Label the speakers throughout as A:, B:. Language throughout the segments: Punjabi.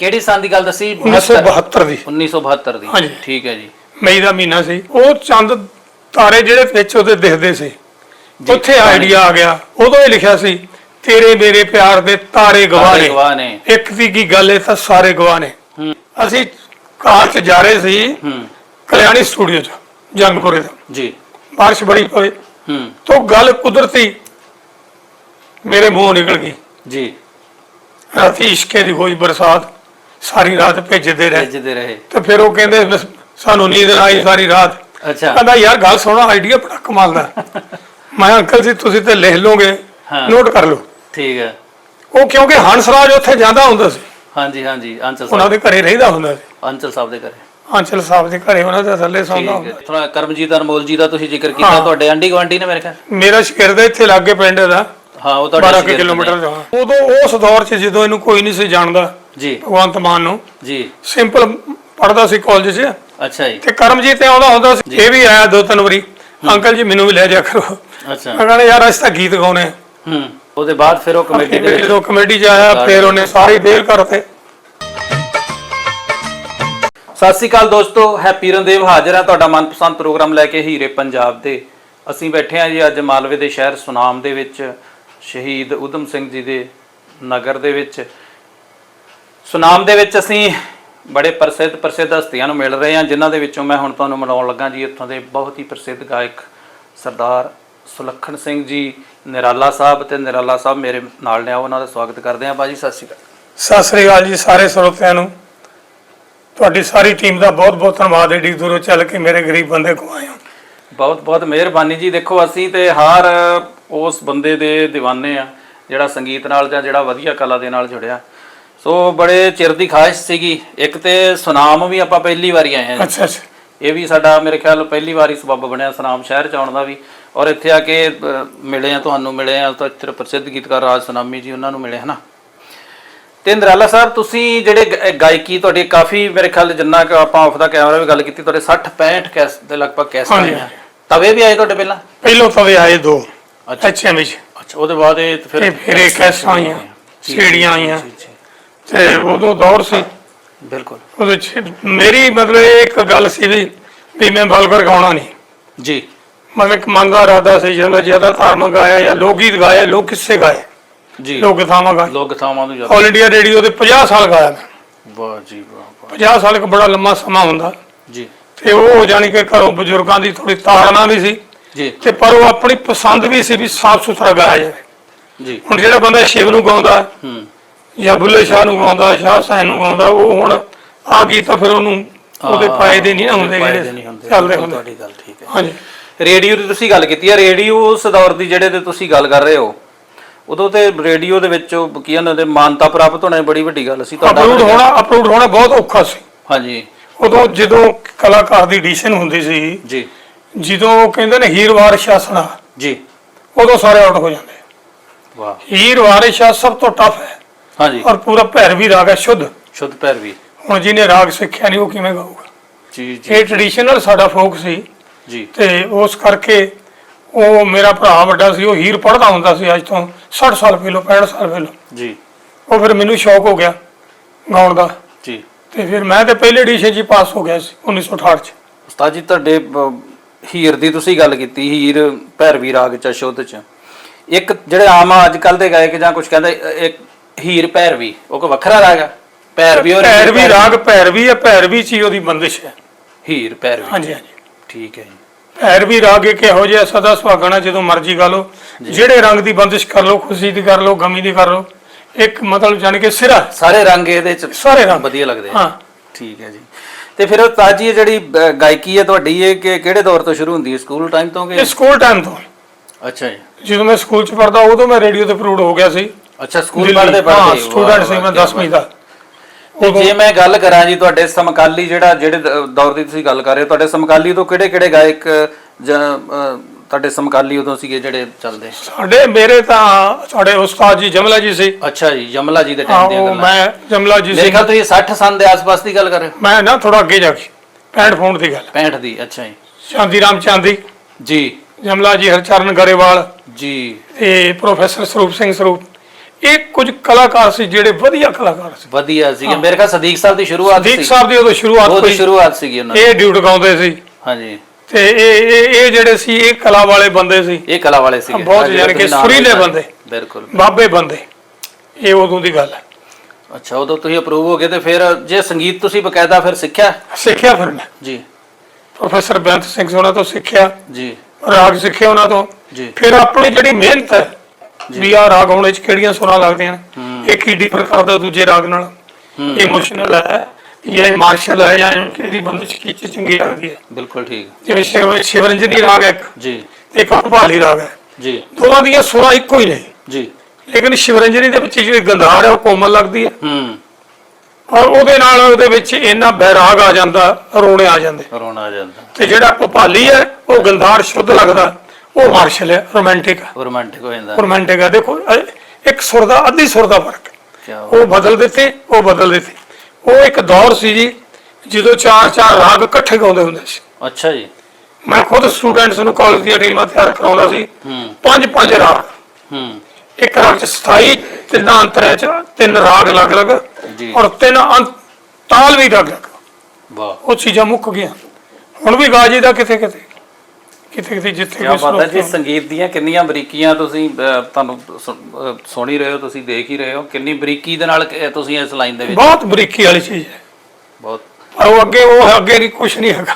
A: ਕਿਹੜੀ ਸਾਲ ਦੀ ਗੱਲ ਦੱਸੀ?
B: 1972 ਦੀ।
A: 1972 ਦੀ।
B: ਹਾਂਜੀ।
A: ਠੀਕ ਹੈ ਜੀ।
B: ਮਈ ਦਾ ਮਹੀਨਾ ਸੀ। ਉਹ ਚੰਦ ਤਾਰੇ ਜਿਹੜੇ ਵਿੱਚ ਉਹਦੇ ਦਿਖਦੇ ਸੀ, ਉੱਥੇ ਆਈਡੀਆ ਆ ਗਿਆ। ਉਦੋਂ ਹੀ ਲਿਖਿਆ ਸੀ, ਤੇਰੇ ਮੇਰੇ ਪਿਆਰ ਦੇ ਤਾਰੇ ਗਵਾਹ ਨੇ, ਇੱਕ ਦੀ ਕੀ ਗੱਲ ਹੈ ਤਾਂ ਸਾਰੇ ਗਵਾਹ ਨੇ। ਅਸੀਂ ਕਾਰ 'ਚ ਜਾ ਰਹੇ ਸੀ ਕਲਿਆਣੀ ਸਟੂਡੀਓ 'ਚ ਜੰਗਪੁਰੇ ਦਾ
A: ਜੀ।
B: ਬਾਰਿਸ਼ ਬੜੀ ਪਈ तो गल कुदरती मेरे मुंह निकल गई
A: जी।
B: राती इश्के दी होई बरसात, सारी रात भेजते रहे तो फिर वो कहंदे सानू नींद ना आई सारी रात।
A: अच्छा।
B: कहंदा यार गल सुनो, आइडिया बड़ा कमाल दा। मैं अंकल जी तुसीं ते लिख लोगे, नोट कर लो।
A: ठीक है।
B: वो क्योंकि हंसराज उत्थे जांदा हुंदा सी।
A: हाँ जी हाँ जी। अंचल
B: उन्हां दे घरे रहिंदा हुंदा सी।
A: अंचल साहब दे घरे।
B: अंचल साहब ਦੇ ਘਰੇ ਉਹਨਾਂ ਦੇ ਥੱਲੇ ਸੌਂਦਾ ਹੁੰਦਾ।
A: ਥੋੜਾ ਕਰਮਜੀਤ ਅਨਮੋਲ ਜੀ ਦਾ ਤੁਸੀਂ ਜ਼ਿਕਰ ਕੀਤਾ, ਤੁਹਾਡੇ ਆਂਢੀ ਗੁਆਂਢੀ ਨੇ ਮੇਰੇ ਖਿਆਲ।
B: ਮੇਰਾ ਸ਼ਹਿਰ ਦਾ ਇੱਥੇ ਲਾਗੇ ਪਿੰਡ ਦਾ।
A: ਹਾਂ, ਉਹ ਤੁਹਾਡੇ
B: 12 ਕਿਲੋਮੀਟਰ ਦਾ। ਉਦੋਂ ਉਸ ਦੌਰ 'ਚ ਜਦੋਂ ਇਹਨੂੰ ਕੋਈ ਨਹੀਂ ਸੀ ਜਾਣਦਾ
A: ਜੀ,
B: ਭਗਵੰਤ ਮਾਨ ਨੂੰ
A: ਜੀ,
B: ਸਿੰਪਲ ਪੜਦਾ ਸੀ ਕਾਲਜ 'ਚ।
A: ਅੱਛਾ ਜੀ।
B: ਤੇ ਕਰਮਜੀਤ ਆਉਂਦਾ ਹੁੰਦਾ ਸੀ, ਇਹ ਵੀ ਆਇਆ 2-3 ਵਾਰੀ, ਅੰਕਲ ਜੀ ਮੈਨੂੰ ਵੀ ਲੈ ਜਾ ਕਰੋ।
A: ਅੱਛਾ।
B: ਮੈਂ ਕਹਿੰਦਾ ਯਾਰ ਅਸੀਂ ਤਾਂ ਗੀਤ ਗਾਉਣੇ।
A: ਉਹਦੇ ਬਾਅਦ ਫਿਰ ਉਹ ਕਮੇਟੀ ਦੇ
B: ਜਦੋਂ ਕਮੇਟੀ 'ਚ ਆਇਆ ਫਿਰ ਉਹਨੇ ਸਾਰੀ ਦੇਰ ਕਰਤੇ।
A: ਸਤਿ ਸ਼੍ਰੀ ਅਕਾਲ ਦੋਸਤੋ, ਹੈਪੀ ਰਣਦੇਵ ਹਾਜ਼ਰ ਹੈ ਤੁਹਾਡਾ ਮਨਪਸੰਦ ਪ੍ਰੋਗਰਾਮ ਲੈ ਕੇ ਹੀਰੇ ਪੰਜਾਬ ਦੇ। ਅਸੀਂ ਬੈਠੇ ਹਾਂ ਜੀ ਅੱਜ ਮਾਲਵੇ ਦੇ ਸ਼ਹਿਰ ਸੁਨਾਮ ਦੇ ਵਿੱਚ, ਸ਼ਹੀਦ ਊਧਮ ਸਿੰਘ ਜੀ ਦੇ ਨਗਰ ਦੇ ਵਿੱਚ। ਸੁਨਾਮ ਦੇ ਵਿੱਚ ਅਸੀਂ ਬੜੇ ਪ੍ਰਸਿੱਧ ਹਸਤੀਆਂ ਨੂੰ ਮਿਲ ਰਹੇ ਹਾਂ, ਜਿਨ੍ਹਾਂ ਦੇ ਵਿੱਚੋਂ ਮੈਂ ਹੁਣ ਤੁਹਾਨੂੰ ਮਿਲਾਉਣ ਲੱਗਾ ਜੀ ਇੱਥੋਂ ਦੇ ਬਹੁਤ ਹੀ ਪ੍ਰਸਿੱਧ ਗਾਇਕ ਸਰਦਾਰ ਸੁਲੱਖਣ ਸਿੰਘ ਜੀ ਨਿਰਾਲਾ ਸਾਹਿਬ। ਤੇ ਨਿਰਾਲਾ ਸਾਹਿਬ ਮੇਰੇ ਨਾਲ ਨੇ, ਉਹਨਾਂ ਦਾ ਸਵਾਗਤ ਕਰਦੇ ਹਾਂ। ਬਾਜੀ ਸਤਿ ਸ਼੍ਰੀ ਅਕਾਲ।
B: ਸਤਿ ਸ੍ਰੀ ਅਕਾਲ ਜੀ ਸਾਰੇ ਸਰੋਤਿਆਂ ਨੂੰ। ਤੁਹਾਡੀ ਸਾਰੀ ਟੀਮ ਦਾ ਬਹੁਤ ਬਹੁਤ ਧੰਨਵਾਦ, ਏਡੀ ਦੂਰੋਂ ਚੱਲ ਕੇ ਮੇਰੇ ਗਰੀਬ ਬੰਦੇ ਕੋਲ ਆਏ ਹੋ।
A: ਬਹੁਤ ਬਹੁਤ ਮਿਹਰਬਾਨੀ ਜੀ। ਦੇਖੋ ਅਸੀਂ ਤੇ ਹਰ ਉਸ ਬੰਦੇ ਦੇ دیਵਾਨੇ ਆ ਜਿਹੜਾ ਸੰਗੀਤ ਨਾਲ ਜਾਂ ਜਿਹੜਾ ਵਧੀਆ ਕਲਾ ਦੇ ਨਾਲ ਜੁੜਿਆ। ਸੋ ਬੜੇ ਚਿਰ ਦੀ ਖਾਹਿਸ਼ ਸੀਗੀ। ਇੱਕ ਤੇ ਸੁਨਾਮ ਵੀ ਆਪਾਂ ਪਹਿਲੀ ਵਾਰੀ ਆਏ ਹਾਂ।
B: ਅੱਛਾ ਅੱਛਾ। ਇਹ
A: ਵੀ ਸਾਡਾ ਮੇਰੇ ਖਿਆਲ ਪਹਿਲੀ ਵਾਰੀ ਸਬੱਬ ਬਣਿਆ ਸੁਨਾਮ ਸ਼ਹਿਰ 'ਚ ਆਉਣ ਦਾ ਵੀ, ਔਰ ਇੱਥੇ ਆ ਕੇ ਮਿਲੇ ਆ, ਤੁਹਾਨੂੰ ਮਿਲੇ ਆ ਤਾਂ ਇੱਥੇ ਪ੍ਰਸਿੱਧ ਗੀਤਕਾਰ ਰਾਜ ਸੁਨਾਮੀ ਜੀ, ਉਹਨਾਂ ਨੂੰ ਮਿਲੇ ਹੈ ਨਾ। ਤੇ ਨਿਰਾਲਾ ਸਾਹਿਬ ਤੁਸੀਂ ਜਿਹੜੇ ਗਾਇਕੀ ਤੁਹਾਡੀ ਕਾਫੀ ਮੇਰੇ ਖਿਆਲ ਜਿੰਨਾ ਕਿ ਆਪਾਂ ਆਫ ਦਾ ਕੈਮਰਾ ਵੀ ਗੱਲ ਕੀਤੀ, ਤੁਹਾਡੇ 60-65 ਕੈਸ ਦੇ ਲਗਭਗ ਕੈਸ ਆਏ ਆ। ਤਵੇ ਵੀ ਆਏ ਤੁਹਾਡੇ ਪਹਿਲਾਂ
B: ਤਵੇ ਆਏ 2।
A: ਅੱਛਾ
B: ਵਿੱਚ।
A: ਅੱਛਾ, ਉਹਦੇ ਬਾਅਦ ਇਹ
B: ਫਿਰ ਇਹ ਕੈਸ ਆਈਆਂ, ਸੀੜੀਆਂ ਆਈਆਂ ਤੇ ਉਦੋਂ ਦੌਰ ਸੀ।
A: ਬਿਲਕੁਲ।
B: ਉਹਦੇ 'ਚ ਮੇਰੀ ਮਤਲਬ ਇੱਕ ਗੱਲ ਸੀ ਵੀ ਮੈਂ ਵਲਗਰ ਗਾਉਣਾ ਨਹੀਂ
A: ਜੀ।
B: ਮਤਲਬ ਇੱਕ ਮਨ ਦਾ ਇਰਾਦਾ ਸੀ, ਜਦੋਂ ਜ਼ਿਆਦਾ ਧਾਰਮਿਕ ਗਾਇਆ ਜਾਂ ਲੋਕ ਗੀਤ ਗਾਏ, ਲੋਕ ਕਿੱਸੇ ਗਾਏ
A: ਜੀ,
B: ਲੋਕ ਗਾਵਾਂ ਗਾਏ।
A: ਲੋਕ ਗਾਵਾਂ ਨੂੰ ਜ਼ਿਆਦਾ।
B: ਆਲ ਇੰਡੀਆ ਰੇਡੀਓ ਦੇ 50 ਸਾਲ ਗਾਇਆ ਮੈਂ।
A: ਵਾਹ ਜੀ ਵਾਹ।
B: 50 ਸਾਲ ਇੱਕ ਬੜਾ ਲੰਮਾ ਸਮਾਂ ਹੁੰਦਾ
A: ਜੀ।
B: ਤੇ ਉਹ ਜਾਣੀ ਕਿ ਘਰੋਂ ਬਜ਼ੁਰਗਾਂ ਦੀ ਥੋੜੀ ਤਾੜਨਾ ਵੀ ਸੀ
A: ਜੀ,
B: ਤੇ ਪਰ ਉਹ ਆਪਣੀ ਪਸੰਦ ਵੀ ਸੀ ਵੀ ਸਾਫ ਸੁਥਰਾ ਗਾਇਆ ਜਾਵੇ
A: ਜੀ।
B: ਹੁਣ ਜਿਹੜਾ ਬੰਦਾ ਸ਼ਿਵ ਨੂੰ ਗਾਉਂਦਾ ਜਾਂ ਬੁੱਲੇ ਸ਼ਾਹ ਨੂੰ ਗਾਉਂਦਾ, ਸ਼ਾਹ ਹੁਸੈਨ ਨੂੰ ਗਾਉਂਦਾ, ਉਹ ਹੁਣ ਆ ਗਈ ਤਾਂ ਫਿਰ ਉਹਨੂੰ ਉਹਦੇ ਫਾਇਦੇ ਨਹੀਂ ਹੁੰਦੇ ਜਿਹੜੇ ਚੱਲਦੇ ਹੁੰਦੇ।
A: ਤੁਹਾਡੀ ਗੱਲ ਠੀਕ ਹੈ।
B: ਹਾਂਜੀ।
A: ਰੇਡੀਓ ਦੀ ਤੁਸੀਂ ਗੱਲ ਕੀਤੀ ਹੈ, ਰੇਡੀਓ ਉਸ ਦੌਰ ਦੀ ਜਿਹੜੇ ਤੇ ਤੁਸੀਂ ਗੱਲ ਕਰ ਰਹੇ ਹੋ, ਉਦੋਂ ਤੇ ਰੇਡੀਓ ਦੇ ਵਿੱਚ ਕੀ ਇਹਨਾਂ ਦੇ ਮਾਨਤਾ ਪ੍ਰਾਪਤ ਹੋਣਾ ਬੜੀ ਵੱਡੀ ਗੱਲ ਸੀ।
B: ਅਪਲੋਡ ਹੋਣਾ ਬਹੁਤ ਔਖਾ ਸੀ।
A: ਹਾਂਜੀ।
B: ਉਦੋਂ ਜਦੋਂ ਕਲਾਕਾਰ ਦੀ ਐਡੀਸ਼ਨ ਹੁੰਦੀ ਸੀ
A: ਜੀ,
B: ਜਦੋਂ ਕਹਿੰਦੇ ਨੇ ਹੀਰ ਵਾਰਿਸ ਸ਼ਾਹ ਸੁਣਾ
A: ਜੀ,
B: ਉਦੋਂ ਸਾਰੇ ਆਊਟ ਹੋ ਜਾਂਦੇ।
A: ਵਾਹ।
B: ਹੀਰ ਵਾਰਿਸ ਸ਼ਾਹ ਸਭ ਤੋਂ ਟਫ ਹੈ।
A: ਹਾਂਜੀ।
B: ਔਰ ਪੂਰਾ ਭੈਰਵੀ ਰਾਗ ਹੈ,
A: ਸ਼ੁੱਧ ਭੈਰਵੀ।
B: ਹੁਣ ਜਿਹਨੇ ਰਾਗ ਸਿੱਖਿਆ ਨਹੀਂ ਉਹ ਕਿਵੇਂ ਗਾਊਗਾ?
A: ਜੀ ਜੀ।
B: ਇਹ ਟ੍ਰੈਡੀਸ਼ਨਲ ਸਾਡਾ ਫੋਕ ਸੀ
A: ਜੀ।
B: ਤੇ ਉਸ ਕਰਕੇ ਉਹ ਮੇਰਾ ਭਰਾ ਵੱਡਾ ਸੀ, ਉਹ ਹੀਰ ਪੜ੍ਹਦਾ ਹੁੰਦਾ ਸੀ ਅੱਜ ਤੋਂ 60 ਸਾਲ ਪਹਿਲਾਂ, 65 ਸਾਲ ਪਹਿਲਾਂ
A: ਜੀ।
B: ਉਹ ਫਿਰ ਮੈਨੂੰ ਸ਼ੌਕ ਹੋ ਗਿਆ ਗਾਉਣ ਦਾ
A: ਜੀ।
B: ਤੇ ਫਿਰ ਮੈਂ ਤੇ ਪਹਿਲੇ ਐਡੀਸ਼ਨ 'ਚ ਹੀ ਪਾਸ ਹੋ ਗਿਆ ਸੀ 1968 'ਚ।
A: ਉਸਤਾਦ ਜੀ ਤੁਹਾਡੇ ਹੀਰ ਦੀ ਤੁਸੀਂ ਗੱਲ ਕੀਤੀ, ਹੀਰ ਭੈਰਵੀ ਰਾਗ ਚ ਸ਼ੁੱਧ ਚ, ਇੱਕ ਜਿਹੜੇ ਆਮ ਅੱਜ ਕੱਲ ਦੇ ਗਾਇਕ ਜਾਂ ਕੁਝ ਕਹਿੰਦੇ ਇੱਕ ਹੀਰ ਭੈਰਵੀ, ਉਹ ਕੋਈ ਵੱਖਰਾ ਰਾਗ ਹੈ? ਭੈਰਵੀ
B: ਰਾਗ ਭੈਰਵੀ ਹੈ, ਭੈਰਵੀ 'ਚ ਹੀ ਉਹਦੀ ਬੰਦਿਸ਼ ਹੈ।
A: ਹੀਰ ਭੈਰਵੀ।
B: ਹਾਂਜੀ ਹਾਂਜੀ।
A: ਠੀਕ ਹੈ ਜੀ।
B: ਭੈਰਵੀ ਰਾਗ ਇੱਕ ਇਹੋ ਜਿਹਾ ਸਦਾ ਸੁਹਾਗਣਾ, ਜਦੋਂ ਮਰਜ਼ੀ ਗਾ ਲਓ, ਜਿਹੜੇ ਰੰਗ ਦੀ ਬੰਦਿਸ਼ ਕਰ ਲਓ, ਖੁਸ਼ੀ ਦੀ ਕਰ ਲਓ, ਗਮੀ ਦੀ ਕਰ ਲਓ, ਇੱਕ ਮਤਲਬ ਜਾਣੀ ਕਿ ਸਿਰਾ
A: ਸਾਰੇ ਰੰਗ ਇਹਦੇ ਚ
B: ਸਾਰੇ ਰੰਗ
A: ਵਧੀਆ ਲੱਗਦੇ ਆ।
B: ਹਾਂ।
A: ਠੀਕ ਹੈ ਜੀ। ਤੇ ਫਿਰ ਉਸਤਾਦ ਜੀ ਜਿਹੜੀ ਗਾਇਕੀ ਹੈ ਤੁਹਾਡੀ, ਇਹ ਕਿਹੜੇ ਦੌਰ ਤੋਂ ਸ਼ੁਰੂ ਹੁੰਦੀ ਹੈ? ਸਕੂਲ ਟਾਈਮ ਤੋਂ ਕਿ?
B: ਇਹ ਸਕੂਲ ਟਾਈਮ ਤੋਂ।
A: ਅੱਛਾ ਜੀ।
B: ਜਦੋਂ ਮੈਂ ਸਕੂਲ 'ਚ ਪੜ੍ਹਦਾ ਉਦੋਂ ਮੈਂ ਰੇਡੀਓ ਤੇ ਅਪਲੋਡ ਹੋ ਗਿਆ ਸੀ।
A: ਅੱਛਾ, ਸਕੂਲ ਪੜ੍ਹਦੇ
B: ਸਟੂਡੈਂਟ ਸੀ ਮੈਂ 10ਵੀਂ ਦਾ।
A: ਜੇ ਮੈਂ ਗੱਲ ਕਰਾਂ ਜੀ ਤੁਹਾਡੇ ਸਮਕਾਲੀ ਜਿਹੜੇ ਦੌਰ ਦੀ ਤੁਸੀਂ ਗੱਲ ਕਰ ਰਹੇ ਹੋ, ਤੁਹਾਡੇ ਸਮਕਾਲੀ ਤੋਂ ਕਿਹੜੇ ਗਾਇਕ ਜਾਂ ਤੁਹਾਡੇ ਸਮਕਾਲੀ ਉਦੋਂ ਸੀਗੇ ਜਿਹੜੇ ਚੱਲਦੇ?
B: ਮੇਰੇ ਤਾਂ ਸਾਡੇ ਉਸਤਾਦ ਜੀ ਜਮਲਾ ਜੀ ਸੀ।
A: ਅੱਛਾ ਜੀ, ਜਮਲਾ ਜੀ ਦੇ ਟਾਈਮ ਦੀਆਂ ਗੱਲਾਂ।
B: ਮੈਂ ਜਮਲਾ ਜੀ
A: ਮੇਰੇ ਖਿਆਲ ਤੁਸੀਂ 60 ਸਾਲ ਦੇ ਆਸ-ਪਾਸ ਦੀ ਗੱਲ ਕਰ ਰਹੇ ਹੋ।
B: ਮੈਂ ਨਾ ਥੋੜਾ ਅੱਗੇ ਜਾ ਕੇ 65 ਫੋਨ ਦੀ ਗੱਲ।
A: 65 ਦੀ। ਅੱਛਾ ਜੀ।
B: ਚਾਂਦੀ ਰਾਮ ਚਾਂਦੀ ਜੀ, ਜਮਲਾ ਜੀ, ਹਰਚਰਨ ਗਰੇਵਾਲ
A: ਜੀ,
B: ਤੇ ਪ੍ਰੋਫੈਸਰ ਸਰੂਪ ਸਿੰਘ ਸਰੂਪ, ਇਹ ਕੁਝ ਕਲਾਕਾਰ ਸੀ ਜਿਹੜੇ ਵਧੀਆ ਕਲਾਕਾਰ ਸੀ,
A: ਵਧੀਆ ਸੀਗੇ। ਮੇਰੇ ਖਿਆਲ ਸਦੀਕ ਸਾਹਿਬ ਦੀ ਸ਼ੁਰੂਆਤ
B: ਸਦੀਕ ਸਾਹਿਬ ਦੀ ਉਦੋਂ ਸ਼ੁਰੂਆਤ
A: ਉਹਦੀ ਸ਼ੁਰੂਆਤ ਸੀਗੀ ਉਹਨਾਂ ਦੀ।
B: ਇਹ ਡਿਊਟ ਗਾਉਂਦੇ ਸੀ।
A: ਹਾਂਜੀ।
B: ਤੇ ਇਹ ਜਿਹੜੇ ਸੀ ਇਹ ਕਲਾ ਵਾਲੇ ਬੰਦੇ ਸੀ,
A: ਇਹ ਕਲਾ ਵਾਲੇ ਸੀਗੇ
B: ਬਹੁਤ ਯਾਨੀ ਕਿ ਸੁਰੀਲੇ ਬੰਦੇ,
A: ਬਿਲਕੁਲ
B: ਬਾਬੇ ਬੰਦੇ। ਇਹ ਉਦੋਂ ਦੀ ਗੱਲ ਹੈ।
A: ਅੱਛਾ, ਉਦੋਂ ਤੁਸੀਂ ਅਪਰੂਵ ਹੋ ਗਏ ਤੇ ਫਿਰ ਜੇ ਸੰਗੀਤ ਤੁਸੀਂ ਬਕਾਇਦਾ ਫਿਰ ਸਿੱਖਿਆ
B: ਫਿਰ ਮੈਂ
A: ਜੀ
B: ਪ੍ਰੋਫੈਸਰ ਬੇਅੰਤ ਸਿੰਘ ਉਹਨਾਂ ਤੋਂ ਸਿੱਖਿਆ
A: ਜੀ,
B: ਰਾਗ ਸਿੱਖੇ ਉਹਨਾਂ ਤੋਂ
A: ਜੀ।
B: ਫਿਰ ਆਪਣੀ ਜਿਹੜੀ ਮਿਹਨਤ ਹੈ ਵੀ ਆਹ ਰਾਗ ਹੋਣੇ ਚ ਕਿਹੜੀਆਂ ਸੁਰਾਂ ਲੱਗਦੀਆਂ ਨੇ, ਇੱਕ ਹੀ ਡਿਫਰ ਕਰਦਾ ਦੂਜੇ ਰਾਗ ਨਾਲ, ਇਮੋਸ਼ਨਲ ਹੈ ਜਾਂ ਮਾਰਸ਼ਲ ਹੈ ਜਾਂ ਕਿਹੜੀ ਬੰਦੇ ਚ ਕੀ ਚੰਗੀ ਲੱਗਦੀ ਹੈ।
A: ਬਿਲਕੁਲ ਠੀਕ।
B: ਜਿਵੇਂ ਸ਼ਿਵਰੰਜਨੀ ਰਾਗ ਹੈ ਇੱਕ
A: ਜੀ,
B: ਇੱਕ ਭੋਪਾਲੀ ਰਾਗ ਹੈ
A: ਜੀ,
B: ਦੋਵਾਂ ਦੀਆਂ ਸੁਰਾਂ ਇੱਕੋ ਹੀ ਨੇ
A: ਜੀ।
B: ਲੇਕਿਨ ਸ਼ਿਵਰੰਜਨੀ ਦੇ ਵਿੱਚ ਜਿਹੜੀ ਗੰਧਾਰ ਹੈ ਉਹ ਕੋਮਲ ਲੱਗਦੀ ਹੈ ਔਰ ਉਹਦੇ ਵਿੱਚ ਇੰਨਾ ਬੈਰਾਗ ਆ ਜਾਂਦਾ, ਰੋਣੇ ਆ ਜਾਂਦੇ,
A: ਰੋਣਾ ਆ ਜਾਂਦਾ।
B: ਤੇ ਜਿਹੜਾ ਭੋਪਾਲੀ ਹੈ ਉਹ ਗੰਧਾਰ ਸ਼ੁੱਧ ਲੱਗਦਾ, ਉਹ ਮਾਰਸ਼ਲ ਹੈ, ਰੋਮਾਂਟਿਕ ਹੈ।
A: ਰੋਮਾਂਟਿਕ ਹੋ ਜਾਂਦਾ।
B: ਰੋਮਾਂਟਿਕ ਹੈ। ਦੇਖੋ ਇੱਕ ਸੁਰ ਦਾ ਅੱਧੀ ਸੁਰ ਦਾ ਫਰਕ
A: ਕੀ
B: ਉਹ ਬਦਲ ਦਿੱਤੇ, ਉਹ ਬਦਲ ਦਿੱਤੇ। ਉਹ ਇੱਕ ਦੌਰ ਸੀ ਜੀ ਜਦੋਂ 4-4 ਰਾਗ ਇਕੱਠੇ ਗਾਉਂਦੇ ਹੁੰਦੇ ਸੀ।
A: ਅੱਛਾ ਜੀ।
B: ਮੈਂ ਖੁਦ ਸਟੂਡੈਂਟਸ ਨੂੰ ਕਾਲਜ ਦੀਆਂ ਟੀਮਾਂ ਤਿਆਰ ਕਰਾਉਂਦਾ ਸੀ। 5-5 ਰਾਗ, ਇੱਕ ਰਾਗ ਚ 27, ਤਿੰਨਾਂ ਅੰਤਰਾਂ ਚ 3 ਰਾਗ ਅਲੱਗ-ਅਲੱਗ ਔਰ 3 ਤਾਲ ਵੀ ਅਲੱਗ-ਅਲੱਗ।
A: ਵਾਹ,
B: ਉਹ ਚੀਜ਼ਾਂ ਮੁੱਕ ਗਈਆਂ। ਹੁਣ ਵੀ ਗਾ ਜੀ ਦਾ ਕਿਤੇ ਜਿੱਥੇ
A: ਕੀ ਪਤਾ ਜੀ ਸੰਗੀਤ ਦੀਆਂ ਕਿੰਨੀਆਂ ਬਰੀਕੀਆਂ ਤੁਸੀਂ ਤੁਹਾਨੂੰ ਸੁਣ ਹੀ ਰਹੇ ਹੋ, ਤੁਸੀਂ ਦੇਖ ਹੀ ਰਹੇ ਹੋ ਕਿੰਨੀ ਬਰੀਕੀ ਦੇ ਨਾਲ ਤੁਸੀਂ ਇਸ ਲਾਈਨ ਦੇ ਵਿੱਚ।
B: ਬਹੁਤ ਬਰੀਕੀ ਵਾਲੀ ਚੀਜ਼ ਹੈ,
A: ਬਹੁਤ।
B: ਪਰ ਉਹ ਅੱਗੇ ਨਹੀਂ, ਕੁਛ ਨਹੀਂ ਹੈਗਾ।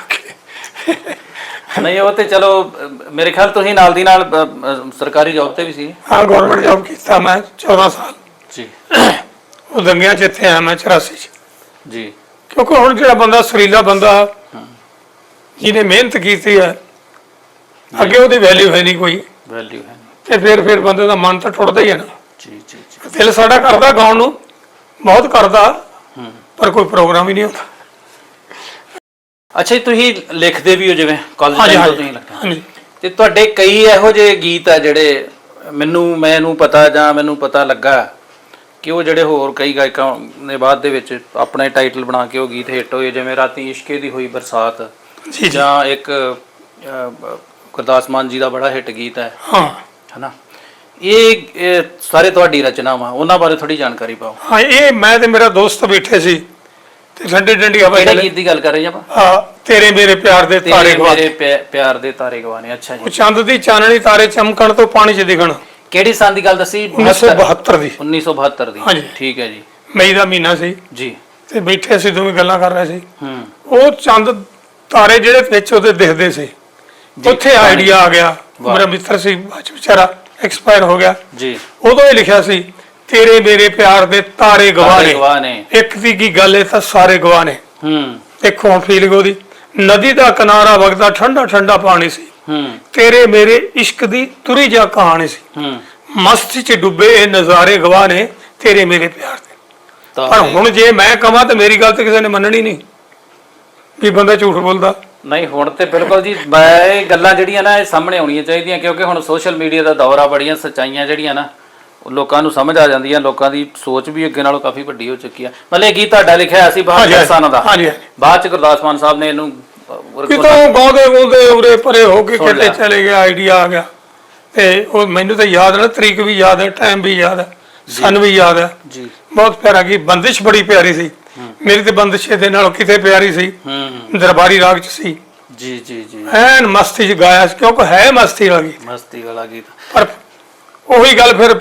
A: ਨਹੀਂ, ਉਹ ਤੇ ਚਲੋ ਮੇਰੇ ਖਿਆਲ ਤੁਸੀਂ ਨਾਲ ਦੀ ਨਾਲ ਸਰਕਾਰੀ ਜੌਬ ਤੇ ਵੀ ਸੀ।
B: ਹਾਂ, ਗਵਰਨਮੈਂਟ ਜੌਬ ਕੀਤਾ ਮੈਂ 14 ਸਾਲ
A: ਜੀ।
B: ਉਹ ਦੰਗਿਆਂ ਚ ਇੱਥੇ ਆਇਆ ਮੈਂ 84 ਚ
A: ਜੀ।
B: ਕਿਉਂਕਿ ਹੁਣ ਜਿਹੜਾ ਬੰਦਾ ਸੁਰੀਲਾ ਬੰਦਾ ਜਿਹਨੇ ਮਿਹਨਤ ਕੀਤੀ ਹੈ ਅੱਗੇ ਉਹਦੀ ਵੈਲਿਊ ਹੈ ਨਹੀਂ, ਕੋਈ
A: ਵੈਲਿਊ ਹੈ ਨਹੀਂ,
B: ਤੇ ਫਿਰ ਬੰਦੇ ਦਾ ਮਨ ਤਾਂ ਟੁੱਟਦਾ ਹੀ ਹੈ ਨਾ।
A: ਜੀ ਜੀ ਜੀ।
B: ਦਿਲ ਸਾਡਾ ਕਰਦਾ ਗਾਉਣ ਨੂੰ, ਬਹੁਤ ਕਰਦਾ, ਪਰ ਕੋਈ ਪ੍ਰੋਗਰਾਮ ਹੀ ਨਹੀਂ ਹੁੰਦਾ।
A: ਅੱਛਾ ਜੀ, ਤੁਸੀਂ ਲਿਖਦੇ ਵੀ ਹੋ ਜਿਵੇਂ ਕਾਲਜ ਟਾਈਮ ਤੋਂ ਤੁਸੀਂ ਲਿਖਦੇ?
B: ਹਾਂਜੀ।
A: ਤੇ ਤੁਹਾਡੇ ਕਈ ਇਹੋ ਜਿਹੇ ਗੀਤ ਆ ਜਿਹੜੇ ਮੈਨੂੰ ਪਤਾ ਲੱਗਾ ਕਿ ਉਹ ਜਿਹੜੇ ਹੋਰ ਕਈ ਗਾਇਕਾਂ ਨੇ ਬਾਅਦ ਦੇ ਵਿੱਚ ਆਪਣੇ ਟਾਈਟਲ ਬਣਾ ਕੇ ਉਹ ਗੀਤ ਹਿੱਟ ਹੋਏ, ਜਿਵੇਂ ਰਾਤੀ ਇਸ਼ਕੇ ਦੀ ਹੋਈ ਬਰਸਾਤ
B: ਜੀ,
A: ਜਾਂ ਇੱਕ ਗੁਰਦਾਸ ਮਾਨ ਜੀ ਦਾ ਬੜਾ ਹਿੱਟ ਗੀਤ ਹੈ ਹਨਾ। ਇਹ ਸਾਰੇ ਤੁਹਾਡੀ ਰਚਨਾਵਾਂ, ਉਹਨਾਂ ਬਾਰੇ ਥੋੜੀ ਜਾਣਕਾਰੀ ਪਾਓ।
B: ਹਾਂ, ਇਹ ਮੈਂ ਤੇ ਮੇਰਾ ਦੋਸਤ ਬੈਠੇ ਸੀ ਤੇ ਠੰਡੀ ਠੰਡੀ ਹਵਾ
A: ਕਿਹੜੇ ਗੀਤ ਦੀ ਗੱਲ ਕਰ ਰਹੇ ਆਪਾਂ?
B: ਹਾਂ, ਤੇਰੇ ਮੇਰੇ ਪਿਆਰ ਦੇ ਤਾਰੇ ਗਵਾਨੇ।
A: ਪਿਆਰ ਦੇ ਤਾਰੇ ਗਵਾਨੇ। ਅੱਛਾ ਜੀ।
B: ਉਹ ਚੰਦ ਦੀ ਚਾਨਣੀ ਤਾਰੇ ਚਮਕਣ ਤੋਂ ਪਾਣੀ 'ਚ ਦਿਖਣ।
A: ਕਿਹੜੀ ਸਾਲ ਦੀ ਗੱਲ ਦੱਸੀ?
B: 1972 ਦੀ।
A: 1972 ਦੀ।
B: ਹਾਂਜੀ,
A: ਠੀਕ ਹੈ ਜੀ।
B: ਮਈ ਦਾ ਮਹੀਨਾ ਸੀ ਜੀ, ਤੇ ਬੈਠੇ ਅਸੀਂ ਦੋਵੇਂ ਗੱਲਾਂ ਕਰ ਰਹੇ ਸੀ। ਉਹ ਚੰਦ ਤਾਰੇ ਜਿਹੜੇ ਵਿੱਚ ਉਹਦੇ ਦਿਖਦੇ ਸੀ, ਉੱਥੇ ਆਈਡੀਆ ਆ ਗਿਆ। ਮੇਰਾ ਮਿੱਤਰ ਸੀ, ਵਿਚਾਰਾ ਐਕਸਪਾਇਰ ਹੋ ਗਿਆ ਜੀ। ਉਦੋਂ ਹੀ ਲਿਖਿਆ ਸੀ, ਤੇਰੇ ਮੇਰੇ ਪਿਆਰ ਦੇ ਤਾਰੇ ਗਵਾਹ ਨੇ, ਇੱਕ ਦੀ ਕੀ ਗੱਲ, ਇਹ ਤਾਂ ਸਾਰੇ ਗਵਾਹ ਨੇ। ਦੇਖੋ ਹੁਣ ਫੀਲਿੰਗ ਉਹਦੀ, ਨਦੀ ਦਾ ਕਿਨਾਰਾ ਵਗਦਾ ਠੰਡਾ ਠੰਡਾ ਪਾਣੀ ਸੀ, ਤੇਰੇ ਮੇਰੇ ਇਸ਼ਕ ਦੀ ਤੁਰੀ ਜਾ ਕਹਾਣੀ ਸੀ, ਮਸਤੀ ਚ ਡੁੱਬੇ ਇਹ ਨਜ਼ਾਰੇ ਗਵਾਹ ਨੇ, ਤੇਰੇ ਮੇਰੇ ਪਿਆਰ ਦੇ। ਪਰ ਹੁਣ ਜੇ ਮੈਂ ਕਹਾਂ ਤਾਂ ਮੇਰੀ ਗੱਲ ਤੇ ਕਿਸੇ ਨੇ ਮੰਨਣੀ ਨਹੀਂ, ਵੀ ਬੰਦਾ ਝੂਠ ਬੋਲਦਾ।
A: ਨਹੀਂ, ਹੁਣ ਤੇ ਬਿਲਕੁਲ ਜੀ ਇਹ ਗੱਲਾਂ ਜਿਹੜੀਆਂ ਨਾ ਇਹ ਸਾਹਮਣੇ ਆਉਣੀਆਂ ਚਾਹੀਦੀਆਂ, ਕਿਉਂਕਿ ਹੁਣ ਸੋਸ਼ਲ ਮੀਡੀਆ ਦਾ ਦੌਰ ਆ, ਬੜੀਆਂ ਸੱਚਾਈਆਂ ਜਿਹੜੀਆਂ ਨਾ ਲੋਕਾਂ ਨੂੰ ਸਮਝ ਆ ਜਾਂਦੀਆਂ, ਲੋਕਾਂ ਦੀ ਸੋਚ ਵੀ ਅੱਗੇ ਨਾਲੋਂ ਕਾਫੀ ਵੱਡੀ ਹੋ ਚੁੱਕੀ ਆ। ਮਤਲਬ ਇਹ ਗੀਤ ਤੁਹਾਡਾ ਲਿਖਿਆ ਸੀ ਬਾਹਰ ਕਿਸਾਨਾਂ ਦਾ, ਬਾਅਦ ਚ ਗੁਰਦਾਸ ਮਾਨ ਸਾਹਿਬ ਨੇ ਇਹਨੂੰ
B: ਕਿਤੋਂ ਗਾਉਂਦੇ ਉਰੇ ਪਰੇ ਹੋ ਕੇ ਕਿਤੇ ਚਲੇ ਗਿਆ, ਆਈਡੀਆ ਆ ਗਿਆ। ਤੇ ਉਹ ਮੈਨੂੰ ਤਾਂ ਯਾਦ ਨਾ, ਤਰੀਕ ਵੀ ਯਾਦ ਹੈ, ਟਾਈਮ ਵੀ ਯਾਦ ਹੈ, ਸਨ ਵੀ ਯਾਦ ਹੈ ਜੀ। ਬਹੁਤ ਪਿਆਰਾ ਗੀਤ, ਬੰਦਿਸ਼ ਬੜੀ ਪਿਆਰੀ ਸੀ ਮੇਰੀ ਤੇ ਬੰਦਿਸ਼ ਇਹਦੇ ਨਾਲੋਂ ਕਿਤੇ ਪਿਆਰੀ ਸੀ, ਦਰਬਾਰੀ ਰਾਗ ਚ ਸੀ ਜੀ ਜੀ ਜੀ। ਐਨ ਮਸਤੀ ਚ ਗਾਇਆ, ਕਿਉਂਕਿ ਹੈ ਮਸਤੀ ਵਾਲਾ ਗੀਤ। ਪਰ ਉਹੀ ਗੱਲ ਫਿਰ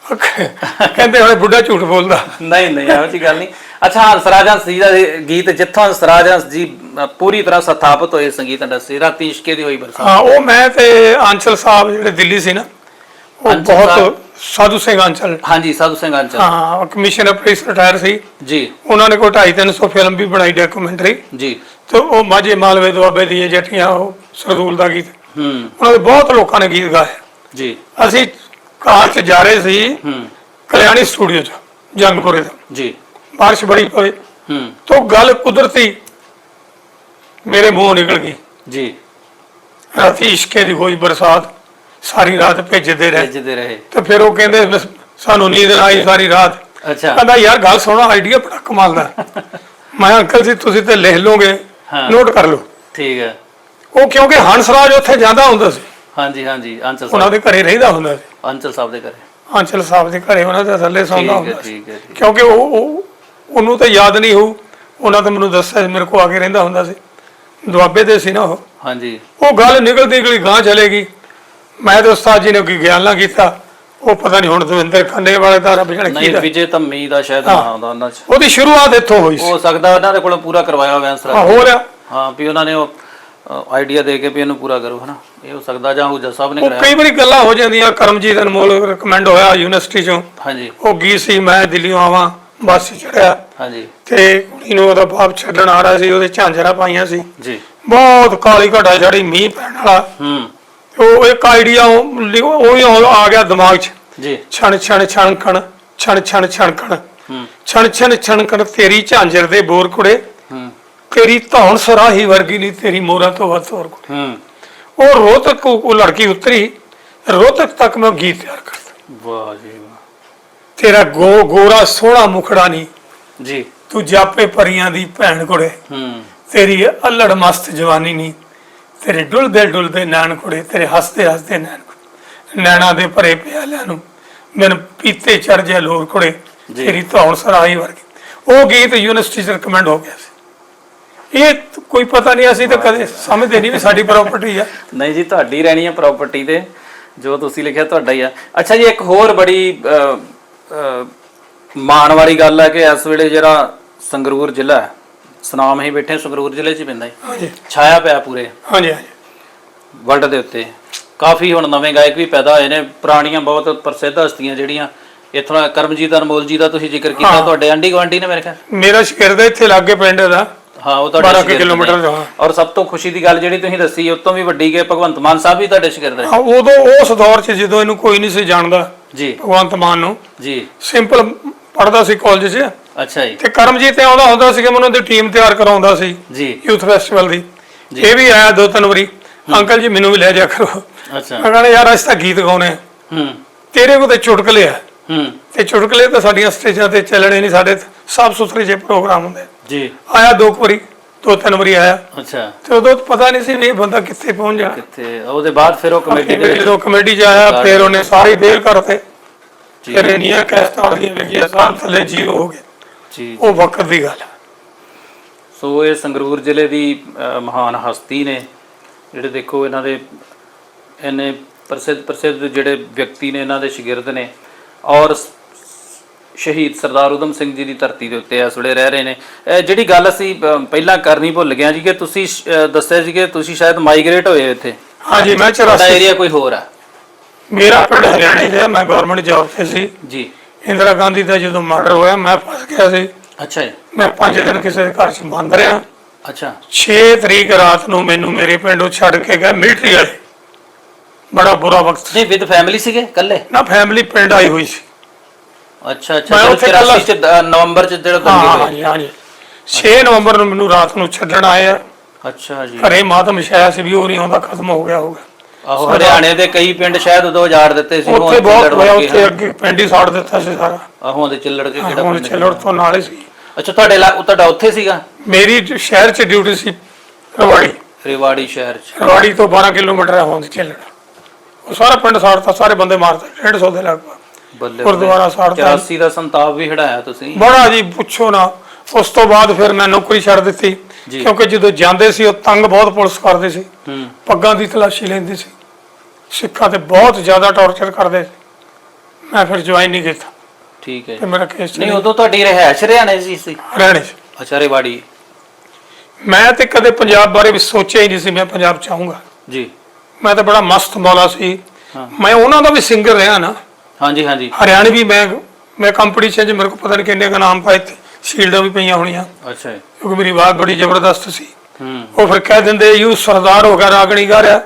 B: ਕਹਿੰਦੇ ਹੁਣ ਬੁੱਢਾ ਝੂਠ ਬੋਲਦਾ। ਨਹੀਂ
A: ਇਹੋ ਜਿਹੀ ਗੱਲ ਨਹੀਂ। ਅੱਛਾ, ਹੰਸਰਾਜ ਹੰਸ ਜੀ ਦਾ ਗੀਤ, ਜਿੱਥੋਂ ਹੰਸਰਾਜ ਹੰਸ ਜੀ ਪੂਰੀ ਤਰ੍ਹਾਂ ਸਥਾਪਿਤ ਹੋਏ ਸੰਗੀਤ ਇੰਡਸਟਰੀ, ਰਾਤੀ ਇਸ਼ਕੇ ਦੀ ਹੋਈ ਬਰਸਾਤ।
B: ਹਾਂ, ਉਹ ਮੈਂ ਤੇ ਆਂਚਲ ਸਾਹਿਬ ਜਿਹੜੇ ਦਿੱਲੀ ਸੀ ਨਾ, ਉਹ ਬਹੁਤ ਸਾਧੂ ਸਿੰਘ ਆਂਚਲ।
A: ਹਾਂਜੀ, ਸਾਧੂ ਸਿੰਘ ਆਂਚਲ।
B: ਹਾਂ, ਕਮਿਸ਼ਨਰ ਪੁਲਿਸ ਰਿਟਾਇਰ ਸੀ ਜੀ। ਉਹਨਾਂ ਨੇ ਕੋਈ 250-300 ਫਿਲਮ ਵੀ ਬਣਾਈ, ਡਾਕੂਮੈਂਟਰੀ ਜੀ। ਤੇ ਉਹ ਮਾਝੇ ਮਾਲਵੇ ਦੁਆਬੇ ਦੀਆਂ ਜੱਟੀਆਂ, ਉਹ ਸਰਦੂਲ ਦਾ ਗੀਤ, ਉਹਨਾਂ ਦੇ ਬਹੁਤ ਲੋਕਾਂ ਨੇ ਗੀਤ ਗਾਏ ਜੀ। ਅਸੀਂ ਕਾਰ 'ਚ ਜਾ ਰਹੇ ਸੀ ਕਲਿਆਣੀ ਸਟੂਡੀਓ 'ਚ, ਜੰਗਪੁਰੇ ਦਾ ਜੀ। ਬਾਰਿਸ਼ ਬੜੀ ਪਈ ਤਾਂ ਗੱਲ ਕੁਦਰਤੀ ਮੇਰੇ ਮੂੰਹੋਂ ਨਿਕਲ ਗਈ ਜੀ, ਰਾਤੀ ਇਸ਼ਕੇ ਦੀ ਹੋਈ ਬਰਸਾਤ, ਸਾਰੀ ਰਾਤ ਭੇਜਦੇ ਰਹੇ। ਤੇ ਫਿਰ ਉਹ ਕਹਿੰਦੇ ਸਾਨੂੰ ਨੀਂਦ ਨਾ ਆਈ ਸਾਰੀ ਰਾਤ। ਅੱਛਾ, ਕਹਿੰਦਾ ਯਾਰ ਗੱਲ ਸੁਣੋ, ਆਈਡੀਆ ਬੜਾ ਕਮਾਲ ਦਾ। ਮੈਂ ਅੰਕਲ ਜੀ ਤੁਸੀਂ ਤੇ ਲਿਖ ਲਓਗੇ, ਨੋਟ ਕਰ ਲਓ। ਠੀਕ ਹੈ। ਉਹ ਕਿਉਂਕਿ ਹੰਸਰਾਜ ਉੱਥੇ ਜਾਂਦਾ ਹੁੰਦਾ ਸੀ। ਹਾਂਜੀ, ਅੰਚਲ ਉਹਨਾਂ ਦੇ ਘਰੇ ਰਹਿੰਦਾ ਹੁੰਦਾ ਸੀ, ਅੰਚਲ ਸਾਹਿਬ ਦੇ ਘਰੇ। ਆਂਚਲ ਸਾਹਿਬ ਦੇ ਘਰੇ ਉਹਨਾਂ ਦੇ ਥੱਲੇ ਸੌਂਦਾ ਹੁੰਦਾ ਸੀ।
A: ਠੀਕ ਹੈ
B: ਕਿਉਂਕਿ ਉਹਨੂੰ ਤਾਂ ਯਾਦ ਨਹੀਂ ਹੋਊ, ਉਹਨਾਂ ਤਾਂ ਮੈਨੂੰ ਦੱਸਿਆ ਮੇਰੇ ਕੋਲ ਆ ਕੇ ਰਹਿੰਦਾ ਹੁੰਦਾ ਸੀ, ਦੁਆਬੇ ਦੇ ਸੀ ਨਾ ਉਹ।
A: ਹਾਂਜੀ।
B: ਉਹ ਗੱਲ ਨਿਕਲਦੀ ਗਾਂ ਚਲੇਗੀ। ਮੈਂ ਤੇ ਉਸਤਾਦ ਜੀ ਨੇ ਕੋਈ ਗਿਆਨ ਨਾ ਕੀਤਾ, ਉਹ ਪਤਾ ਨਹੀਂ ਹੁਣ ਦਵਿੰਦਰ ਖੰਡੇ ਵਾਲੇ ਦਾ ਰੱਬ ਜਾਣੇ
A: ਨਹੀਂ, ਵਿਜੇ ਧੰਮੀ ਦਾ ਸ਼ਾਇਦ ਨਾਮ ਆਉਂਦਾ ਉਹਨਾਂ 'ਚ।
B: ਉਹਦੀ ਸ਼ੁਰੂਆਤ ਇੱਥੋਂ ਹੋਈ ਸੀ।
A: ਹੋ ਸਕਦਾ ਉਹਨਾਂ ਦੇ ਕੋਲੋਂ ਪੂਰਾ ਕਰਵਾਇਆ ਹੋਇਆ ਅੰਸਰਾ।
B: ਹੋ ਰਿਹਾ।
A: ਹਾਂ, ਵੀ ਉਹਨਾਂ ਨੇ ਉਹ ਆਈਡੀਆ ਦੇ ਕੇ ਵੀ ਇਹਨੂੰ ਪੂਰਾ ਕਰੋ, ਹਨਾ। ਇਹ ਹੋ ਸਕਦਾ ਜਾਂ ਹੁਜਾ ਸਾਹਿਬ ਨੇ ਕਰਾਇਆ।
B: ਕਈ ਵਾਰੀ ਗੱਲਾਂ ਹੋ ਜਾਂਦੀਆਂ। ਕਰਮਜੀਤ ਅਨਮੋਲ ਰეკਮੈਂਡ ਹੋਇਆ ਯੂਨੀਵਰਸਿਟੀ ਚੋਂ।
A: ਹਾਂਜੀ।
B: ਉਹ ਗਈ ਸੀ, ਮੈਂ ਦਿੱਲੀੋਂ ਆਵਾਂ, ਬੱਸ ਚੜਿਆ
A: ਹਾਂਜੀ
B: ਤੇ ਕੁੜੀ ਨੂੰ ਉਹਦਾ ਬਾਪ ਛੱਡਣ ਆ ਰਿਹਾ ਸੀ, ਉਹਦੇ ਝਾਂਜਰਾਂ ਪਾਈਆਂ ਸੀ
A: ਜੀ।
B: ਬਹੁਤ ਕਾਲੀ ਘਟਾ ਜਿਹੜੀ ਮੀਂਹ ਪੈਣ ਵਾਲਾ। ਉਹ ਇੱਕ ਆਈਡੀਆ ਉਹੀ ਆ ਗਿਆ ਦਿਮਾਗ 'ਚ
A: ਜੀ।
B: ਛਣ ਛਣ ਛਣਕਣ, ਛਣ ਛਣ ਛਣਕਣ, ਛਣ ਛਣ ਛਣਕਣ, ਤੇਰੀ ਝਾਂਜਰ ਦੇ ਬੋਰ ਕੁੜੇ, ਤੇਰੀ ਧੌਣ ਸਰਾਹੀ ਵਰਗੀ ਨਹੀਂ, ਤੇਰੀ ਮੋਹਰਾਂ ਤੋਂ ਵੱਧ ਹੋਰ ਕੁੜੇ। ਉਹ ਰੋਹਤਕ ਉਹ ਲੜਕੀ ਉਤਰੀ, ਰੋਹਤਕ ਤੱਕ ਮੈਂ ਗੀਤ ਤਿਆਰ ਕਰਦਾ।
A: ਵਾਹ ਜੀ ਵਾਹ।
B: ਤੇਰਾ ਗੋਰਾ ਸੋਹਣਾ ਮੁਖੜਾ ਨਹੀਂ
A: ਜੀ,
B: ਤੂੰ ਜਾਪੇ ਪਰੀਆਂ ਦੀ ਭੈਣ ਕੁੜੇ, ਤੇਰੀ ਅਲੜ ਮਸਤ ਜਵਾਨੀ ਨਹੀਂ, ਤੇਰੇ ਡੁੱਲਦੇ ਨੈਣ ਕੁੜੇ, ਤੇਰੇ ਹੱਸਦੇ ਨੈਣ ਕੁੜੇ, ਨੈਣਾ ਦੇ ਭਰੇ ਪਿਆਲਿਆਂ ਨੂੰ ਮੈਨੂੰ ਪੀਤੇ ਚੜ ਜਾ ਲੋਰ ਕੁੜੇ, ਤੇਰੀ ਧੌਣ ਸਰਾਹੀ ਵਰਗੀ। ਉਹ ਗੀਤ ਯੂਨੀਵਰਸਿਟੀ 'ਚ ਰਿਕਮੈਂਡ ਹੋ ਗਿਆ ਸੀ। ਇਹ ਕੋਈ ਪਤਾ ਨਹੀਂ, ਅਸੀਂ ਤਾਂ ਕਦੇ ਸਮਝਦੇ ਨਹੀਂ ਵੀ ਸਾਡੀ ਪ੍ਰਾਪਰਟੀ ਆ।
A: ਨਹੀਂ ਜੀ, ਤੁਹਾਡੀ ਰਹਿਣੀ ਹੈ ਪ੍ਰਾਪਰਟੀ ਤੇ, ਜੋ ਤੁਸੀਂ ਲਿਖਿਆ ਤੁਹਾਡਾ ਹੀ ਆ। ਅੱਛਾ ਜੀ, ਇੱਕ ਹੋਰ ਬੜੀ ਮਾਣ ਵਾਲੀ ਗੱਲ ਹੈ ਕਿ ਇਸ ਵੇਲੇ ਜਿਹੜਾ ਸੰਗਰੂਰ ਜ਼ਿਲ੍ਹਾ ਹੈ, ਸੁਨਾਮ ਹੀ ਬੈਠੇ ਸੰਗਰੂਰ ਜ਼ਿਲ੍ਹੇ 'ਚ ਪੈਂਦਾ ਹੈ, ਛਾਇਆ ਪਿਆ ਪੂਰੇ ਵਰਲਡ ਦੇ ਉੱਤੇ। ਕਾਫੀ ਹੁਣ ਨਵੇਂ ਗਾਇਕ ਵੀ ਪੈਦਾ ਹੋਏ ਨੇ, ਪੁਰਾਣੀਆਂ ਬਹੁਤ ਪ੍ਰਸਿੱਧ ਹਸਤੀਆਂ ਜਿਹੜੀਆਂ ਇੱਥੋਂ। ਕਰਮਜੀਤ ਅਨਮੋਲ ਜੀ ਦਾ ਤੁਸੀਂ ਜ਼ਿਕਰ ਕੀਤਾ, ਤੁਹਾਡੇ ਆਂਢੀ ਗੁਆਂਢੀ ਨੇ ਮੇਰੇ ਖਿਆਲ।
B: ਮੇਰਾ ਸ਼ਿਕਰ ਇੱਥੇ ਲਾਗੇ ਪਿੰਡ ਦਾ।
A: ਹਾਂ, ਉਹ ਤੁਹਾਡੇ 12 ਕਿਲੋਮੀਟਰ ਦਾ। ਔਰ ਸਭ ਤੋਂ ਖੁਸ਼ੀ ਦੀ ਗੱਲ ਜਿਹੜੀ ਤੁਸੀਂ ਦੱਸੀ, ਉਸ ਤੋਂ ਵੀ ਵੱਡੀ ਕਿ ਭਗਵੰਤ ਮਾਨ ਸਾਹਿਬ ਵੀ ਤੁਹਾਡੇ ਸ਼ਿਕਰ
B: ਹਾਂ, ਉਦੋਂ ਉਸ ਦੌਰ 'ਚ ਜਦੋਂ ਇਹਨੂੰ ਕੋਈ ਨਹੀਂ ਸੀ ਜਾਣਦਾ
A: ਜੀ,
B: ਭਗਵੰਤ ਮਾਨ ਨੂੰ
A: ਜੀ, ਸਿੰਪਲ
B: ਪੜਦਾ ਸੀ ਕਾਲਜ 'ਚ।
A: ਅੱਛਾ ਜੀ।
B: ਤੇ ਕਰਮਜੀਤ ਆਉਂਦਾ ਹੁੰਦਾ ਸੀ ਕਿ ਮੈਨੂੰ ਉਹਦੀ ਟੀਮ ਤਿਆਰ ਕਰਾਉਂਦਾ ਸੀ
A: ਜੀ,
B: ਯੂਥ ਫੈਸਟੀਵਲ ਦੀ। ਇਹ ਵੀ ਆਇਆ 2-3 ਵਾਰੀ, ਅੰਕਲ ਜੀ ਮੈਨੂੰ ਵੀ ਲੈ ਜਾ ਕਰੋ।
A: ਅੱਛਾ।
B: ਮੈਂ ਕਹਿੰਦਾ ਯਾਰ ਅਸੀਂ ਤਾਂ ਗੀਤ ਗਾਉਣੇ, ਤੇਰੇ ਕੋਲ ਤੇ ਚੁਟਕਲੇ ਆ, ਤੇ ਚੁਟਕਲੇ ਤਾਂ ਸਾਡੀਆਂ ਸਟੇਜਾਂ ਤੇ ਚੱਲਣੇ ਨਹੀਂ, ਸਾਡੇ ਸਾਫ ਸੁਥਰੇ ਜਿਹੇ ਪ੍ਰੋਗਰਾਮ ਹੁੰਦੇ ਜੀ। ਆਇਆ 2-3 ਵਾਰੀ ਆਇਆ। ਅੱਛਾ। ਤੇ ਉਦੋਂ ਪਤਾ ਨਹੀਂ ਸੀ ਵੀ ਇਹ ਬੰਦਾ ਕਿੱਥੇ ਪਹੁੰਚ ਜਾਣਾ।
A: ਕਿੱਥੇ ਉਹਦੇ ਬਾਅਦ ਫਿਰ ਉਹ ਕਮੇਟੀ ਦੇ
B: ਜਦੋਂ ਕਮੇਟੀ 'ਚ ਆਇਆ, ਫਿਰ ਉਹਨੇ ਸਾਰੀ ਦੇਰ ਕਰਤੇ, ਫਿਰ ਇੰਨੀਆਂ ਕੈਸਟਾਂ ਦੀਆਂ ਵਿਕੀਆਂ, ਸਾਲ ਥੱਲੇ ਜ਼ੀਰੋ ਹੋ ਗਏ ਜੀ। ਉਹ ਵਕਤ ਦੀ ਗੱਲ।
A: ਸੋ ਇਹ ਸੰਗਰੂਰ ਜ਼ਿਲ੍ਹੇ ਦੀ ਮਹਾਨ ਹਸਤੀ ਨੇ, ਜਿਹੜੇ ਦੇਖੋ ਇਹਨਾਂ ਦੇ ਇੰਨੇ ਪ੍ਰਸਿੱਧ ਜਿਹੜੇ ਵਿਅਕਤੀ ਨੇ, ਇਹਨਾਂ ਦੇ ਸ਼ਾਗਿਰਦ ਨੇ, ਔਰ ਸ਼ਹੀਦ ਸਰਦਾਰ ਊਧਮ ਸਿੰਘ ਜੀ ਦੀ ਧਰਤੀ ਦੇ ਉੱਤੇ ਇਸ ਵੇਲੇ ਰਹਿ ਰਹੇ ਨੇ। ਜਿਹੜੀ ਗੱਲ ਅਸੀਂ ਪਹਿਲਾਂ ਕਰਨੀ ਭੁੱਲ ਗਏ ਜੀ, ਕਿ ਤੁਸੀਂ ਦੱਸਿਆ ਸੀ ਕਿ ਤੁਸੀਂ ਸ਼ਾਇਦ ਮਾਈਗ੍ਰੇਟ ਹੋਏ ਇੱਥੇ।
B: ਹਾਂਜੀ, ਮੈਂ 84
A: ਏਰੀਆ ਕੋਈ ਹੋਰ ਆ।
B: ਮੇਰਾ ਪਿੰਡ ਹਰਿਆਣੇ ਦਾ, ਮੈਂ ਗਵਰਨਮੈਂਟ ਜੌਬ ਤੇ ਸੀ
A: ਜੀ।
B: ਇੰਦਰਾ ਗਾਂਧੀ ਦਾ ਜਦੋਂ ਮਰਡਰ ਹੋਇਆ, ਮੈਂ ਫਸ ਗਿਆ ਸੀ।
A: ਅੱਛਾ ਜੀ।
B: ਮੈਂ 5 ਦਿਨ ਕਿਸੇ ਦੇ ਘਰ 'ਚ ਬੰਦ ਰਿਹਾ।
A: ਅੱਛਾ। 6
B: ਤਰੀਕ ਰਾਤ ਨੂੰ ਮੈਨੂੰ ਮੇਰੇ ਪਿੰਡੋਂ ਛੱਡ ਕੇ ਗਏ ਮਿਲਟਰੀ ਵਾਲੇ। ਬੜਾ ਬੁਰਾ ਵਕਤ।
A: ਨਹੀਂ, ਵਿਦ ਫੈਮਿਲੀ ਸੀਗੇ ਇਕੱਲੇ?
B: ਨਾ, ਫੈਮਿਲੀ ਪਿੰਡ ਆਈ ਹੋਈ ਸੀ।
A: ਅੱਛਾ ਅੱਛਾ। ਨਵੰਬਰ 'ਚ ਜਿਹੜਾ
B: ਹਾਂਜੀ ਹਾਂਜੀ 6 ਨਵੰਬਰ ਨੂੰ ਮੈਨੂੰ ਰਾਤ ਨੂੰ ਛੱਡਣ ਆਏ ਆ।
A: ਅੱਛਾ ਜੀ।
B: ਘਰੇ ਮਾਤਮ ਛਾਇਆ ਸੀ ਵੀ ਉਹ ਨਹੀਂ ਆਉਂਦਾ, ਖਤਮ ਹੋ ਗਿਆ ਹੋਊਗਾ।
A: ਆਹੋ, ਹਰਿਆਣੇ ਦੇ ਕਈ ਪਿੰਡ ਸ਼ਾਇਦ ਉਦੋਂ ਉਜਾੜ ਦਿੱਤੇ ਸੀ।
B: ਉੱਥੇ ਬਹੁਤ ਹੋਇਆ, ਉੱਥੇ ਅੱਗੇ ਪਿੰਡ ਹੀ ਸਾੜ ਦਿੱਤਾ ਸੀ ਸਾਰਾ।
A: ਆਹੋਂ ਦੇ ਚਿੱਲੜ ਕੇ ਕਿਹੜਾ
B: ਪਿੰਡ? ਚਿੱਲੜ ਤੋਂ ਨਾਲ ਹੀ ਸੀ।
A: ਅੱਛਾ, ਤੁਹਾਡਾ ਉੱਥੇ ਸੀਗਾ?
B: ਮੇਰੀ ਸ਼ਹਿਰ 'ਚ ਡਿਊਟੀ ਸੀ,
A: ਰੇਵਾੜੀ ਸ਼ਹਿਰ 'ਚ।
B: ਰੇਵਾੜੀ ਤੋਂ 12 ਕਿਲੋਮੀਟਰ ਹੈ ਹੋਂਦ ਚਿੱਲੜ। ਉਹ ਸਾਰਾ ਪਿੰਡ ਸਾੜਤਾ, ਸਾਰੇ ਬੰਦੇ ਮਾਰਤਾ, 150 ਦੇ ਲਗਭਗ। ਗੁਰਦੁਆਰਾ ਸਾੜਤਾ।
A: 84 ਦਾ ਸੰਤਾਪ ਵੀ ਹਟਾਇਆ ਤੁਸੀਂ?
B: ਬੜਾ ਜੀ, ਪੁੱਛੋ ਨਾ। ਉਸ ਤੋਂ ਬਾਅਦ ਫਿਰ ਮੈਂ ਨੌਕਰੀ ਛੱਡ ਦਿੱਤੀ, ਕਿਉਂਕਿ ਜਦੋਂ ਜਾਂਦੇ ਸੀ ਉਹ ਤੰਗ ਬਹੁਤ ਪੁਲਿਸ ਕਰਦੇ ਸੀ, ਪੱਗਾਂ ਦੀ ਤਲਾਸ਼ੀ ਲੈਂਦੇ ਸੀ, ਸਿੱਖਾਂ ਤੇ ਬਹੁਤ ਜ਼ਿਆਦਾ ਟੌਰਚਰ ਕਰਦੇ ਸੀ। ਮੈਂ ਫਿਰ ਜੁਆਇਨ ਨਹੀਂ ਕੀਤਾ।
A: ਠੀਕ ਹੈ।
B: ਤੇ ਮੇਰਾ ਕੇਸ
A: ਨਹੀਂ, ਉਦੋਂ ਤੁਹਾਡੀ ਰਹਿائش ਹਰਿਆਣੇ ਸੀ?
B: ਹਰਿਆਣੇ 'ਚ।
A: ਅੱਛਾ, ਰੇਵਾੜੀ।
B: ਮੈਂ ਤੇ ਕਦੇ ਪੰਜਾਬ ਬਾਰੇ ਵੀ ਸੋਚਿਆ ਹੀ ਨਹੀਂ ਸੀ ਮੈਂ ਪੰਜਾਬ 'ਚ ਆਊਂਗਾ ਜੀ। ਮੈਂ ਤਾਂ ਬੜਾ ਮਸਤ ਮੌਲਾ ਸੀ। ਮੈਂ ਉਹਨਾਂ ਦਾ ਵੀ ਸਿੰਗਰ ਰਿਹਾ ਨਾ। ਹਾਂਜੀ ਹਾਂਜੀ। ਹਰਿਆਣੇ ਵੀ ਮੈਂ ਕੰਪੀਟੀਸ਼ਨ 'ਚ ਮੇਰੇ ਕੋਲ ਪਤਾ ਨਹੀਂ ਕਿੰਨੇ ਕੁ ਨਾਮ ਪਾਏ, ਸ਼ੀਲਡਾਂ ਵੀ ਪਈਆਂ ਹੋਣੀਆਂ। ਅੱਛਾ। ਕਿਉਂਕਿ ਮੇਰੀ ਆਵਾਜ਼ ਬੜੀ ਜ਼ਬਰਦਸਤ ਸੀ। ਉਹ ਫਿਰ ਕਹਿ ਦਿੰਦੇ ਯੂ ਸਰਦਾਰ ਹੋ ਗਿਆ, ਰਾਗਣੀ ਗਾ ਰਿਹਾ,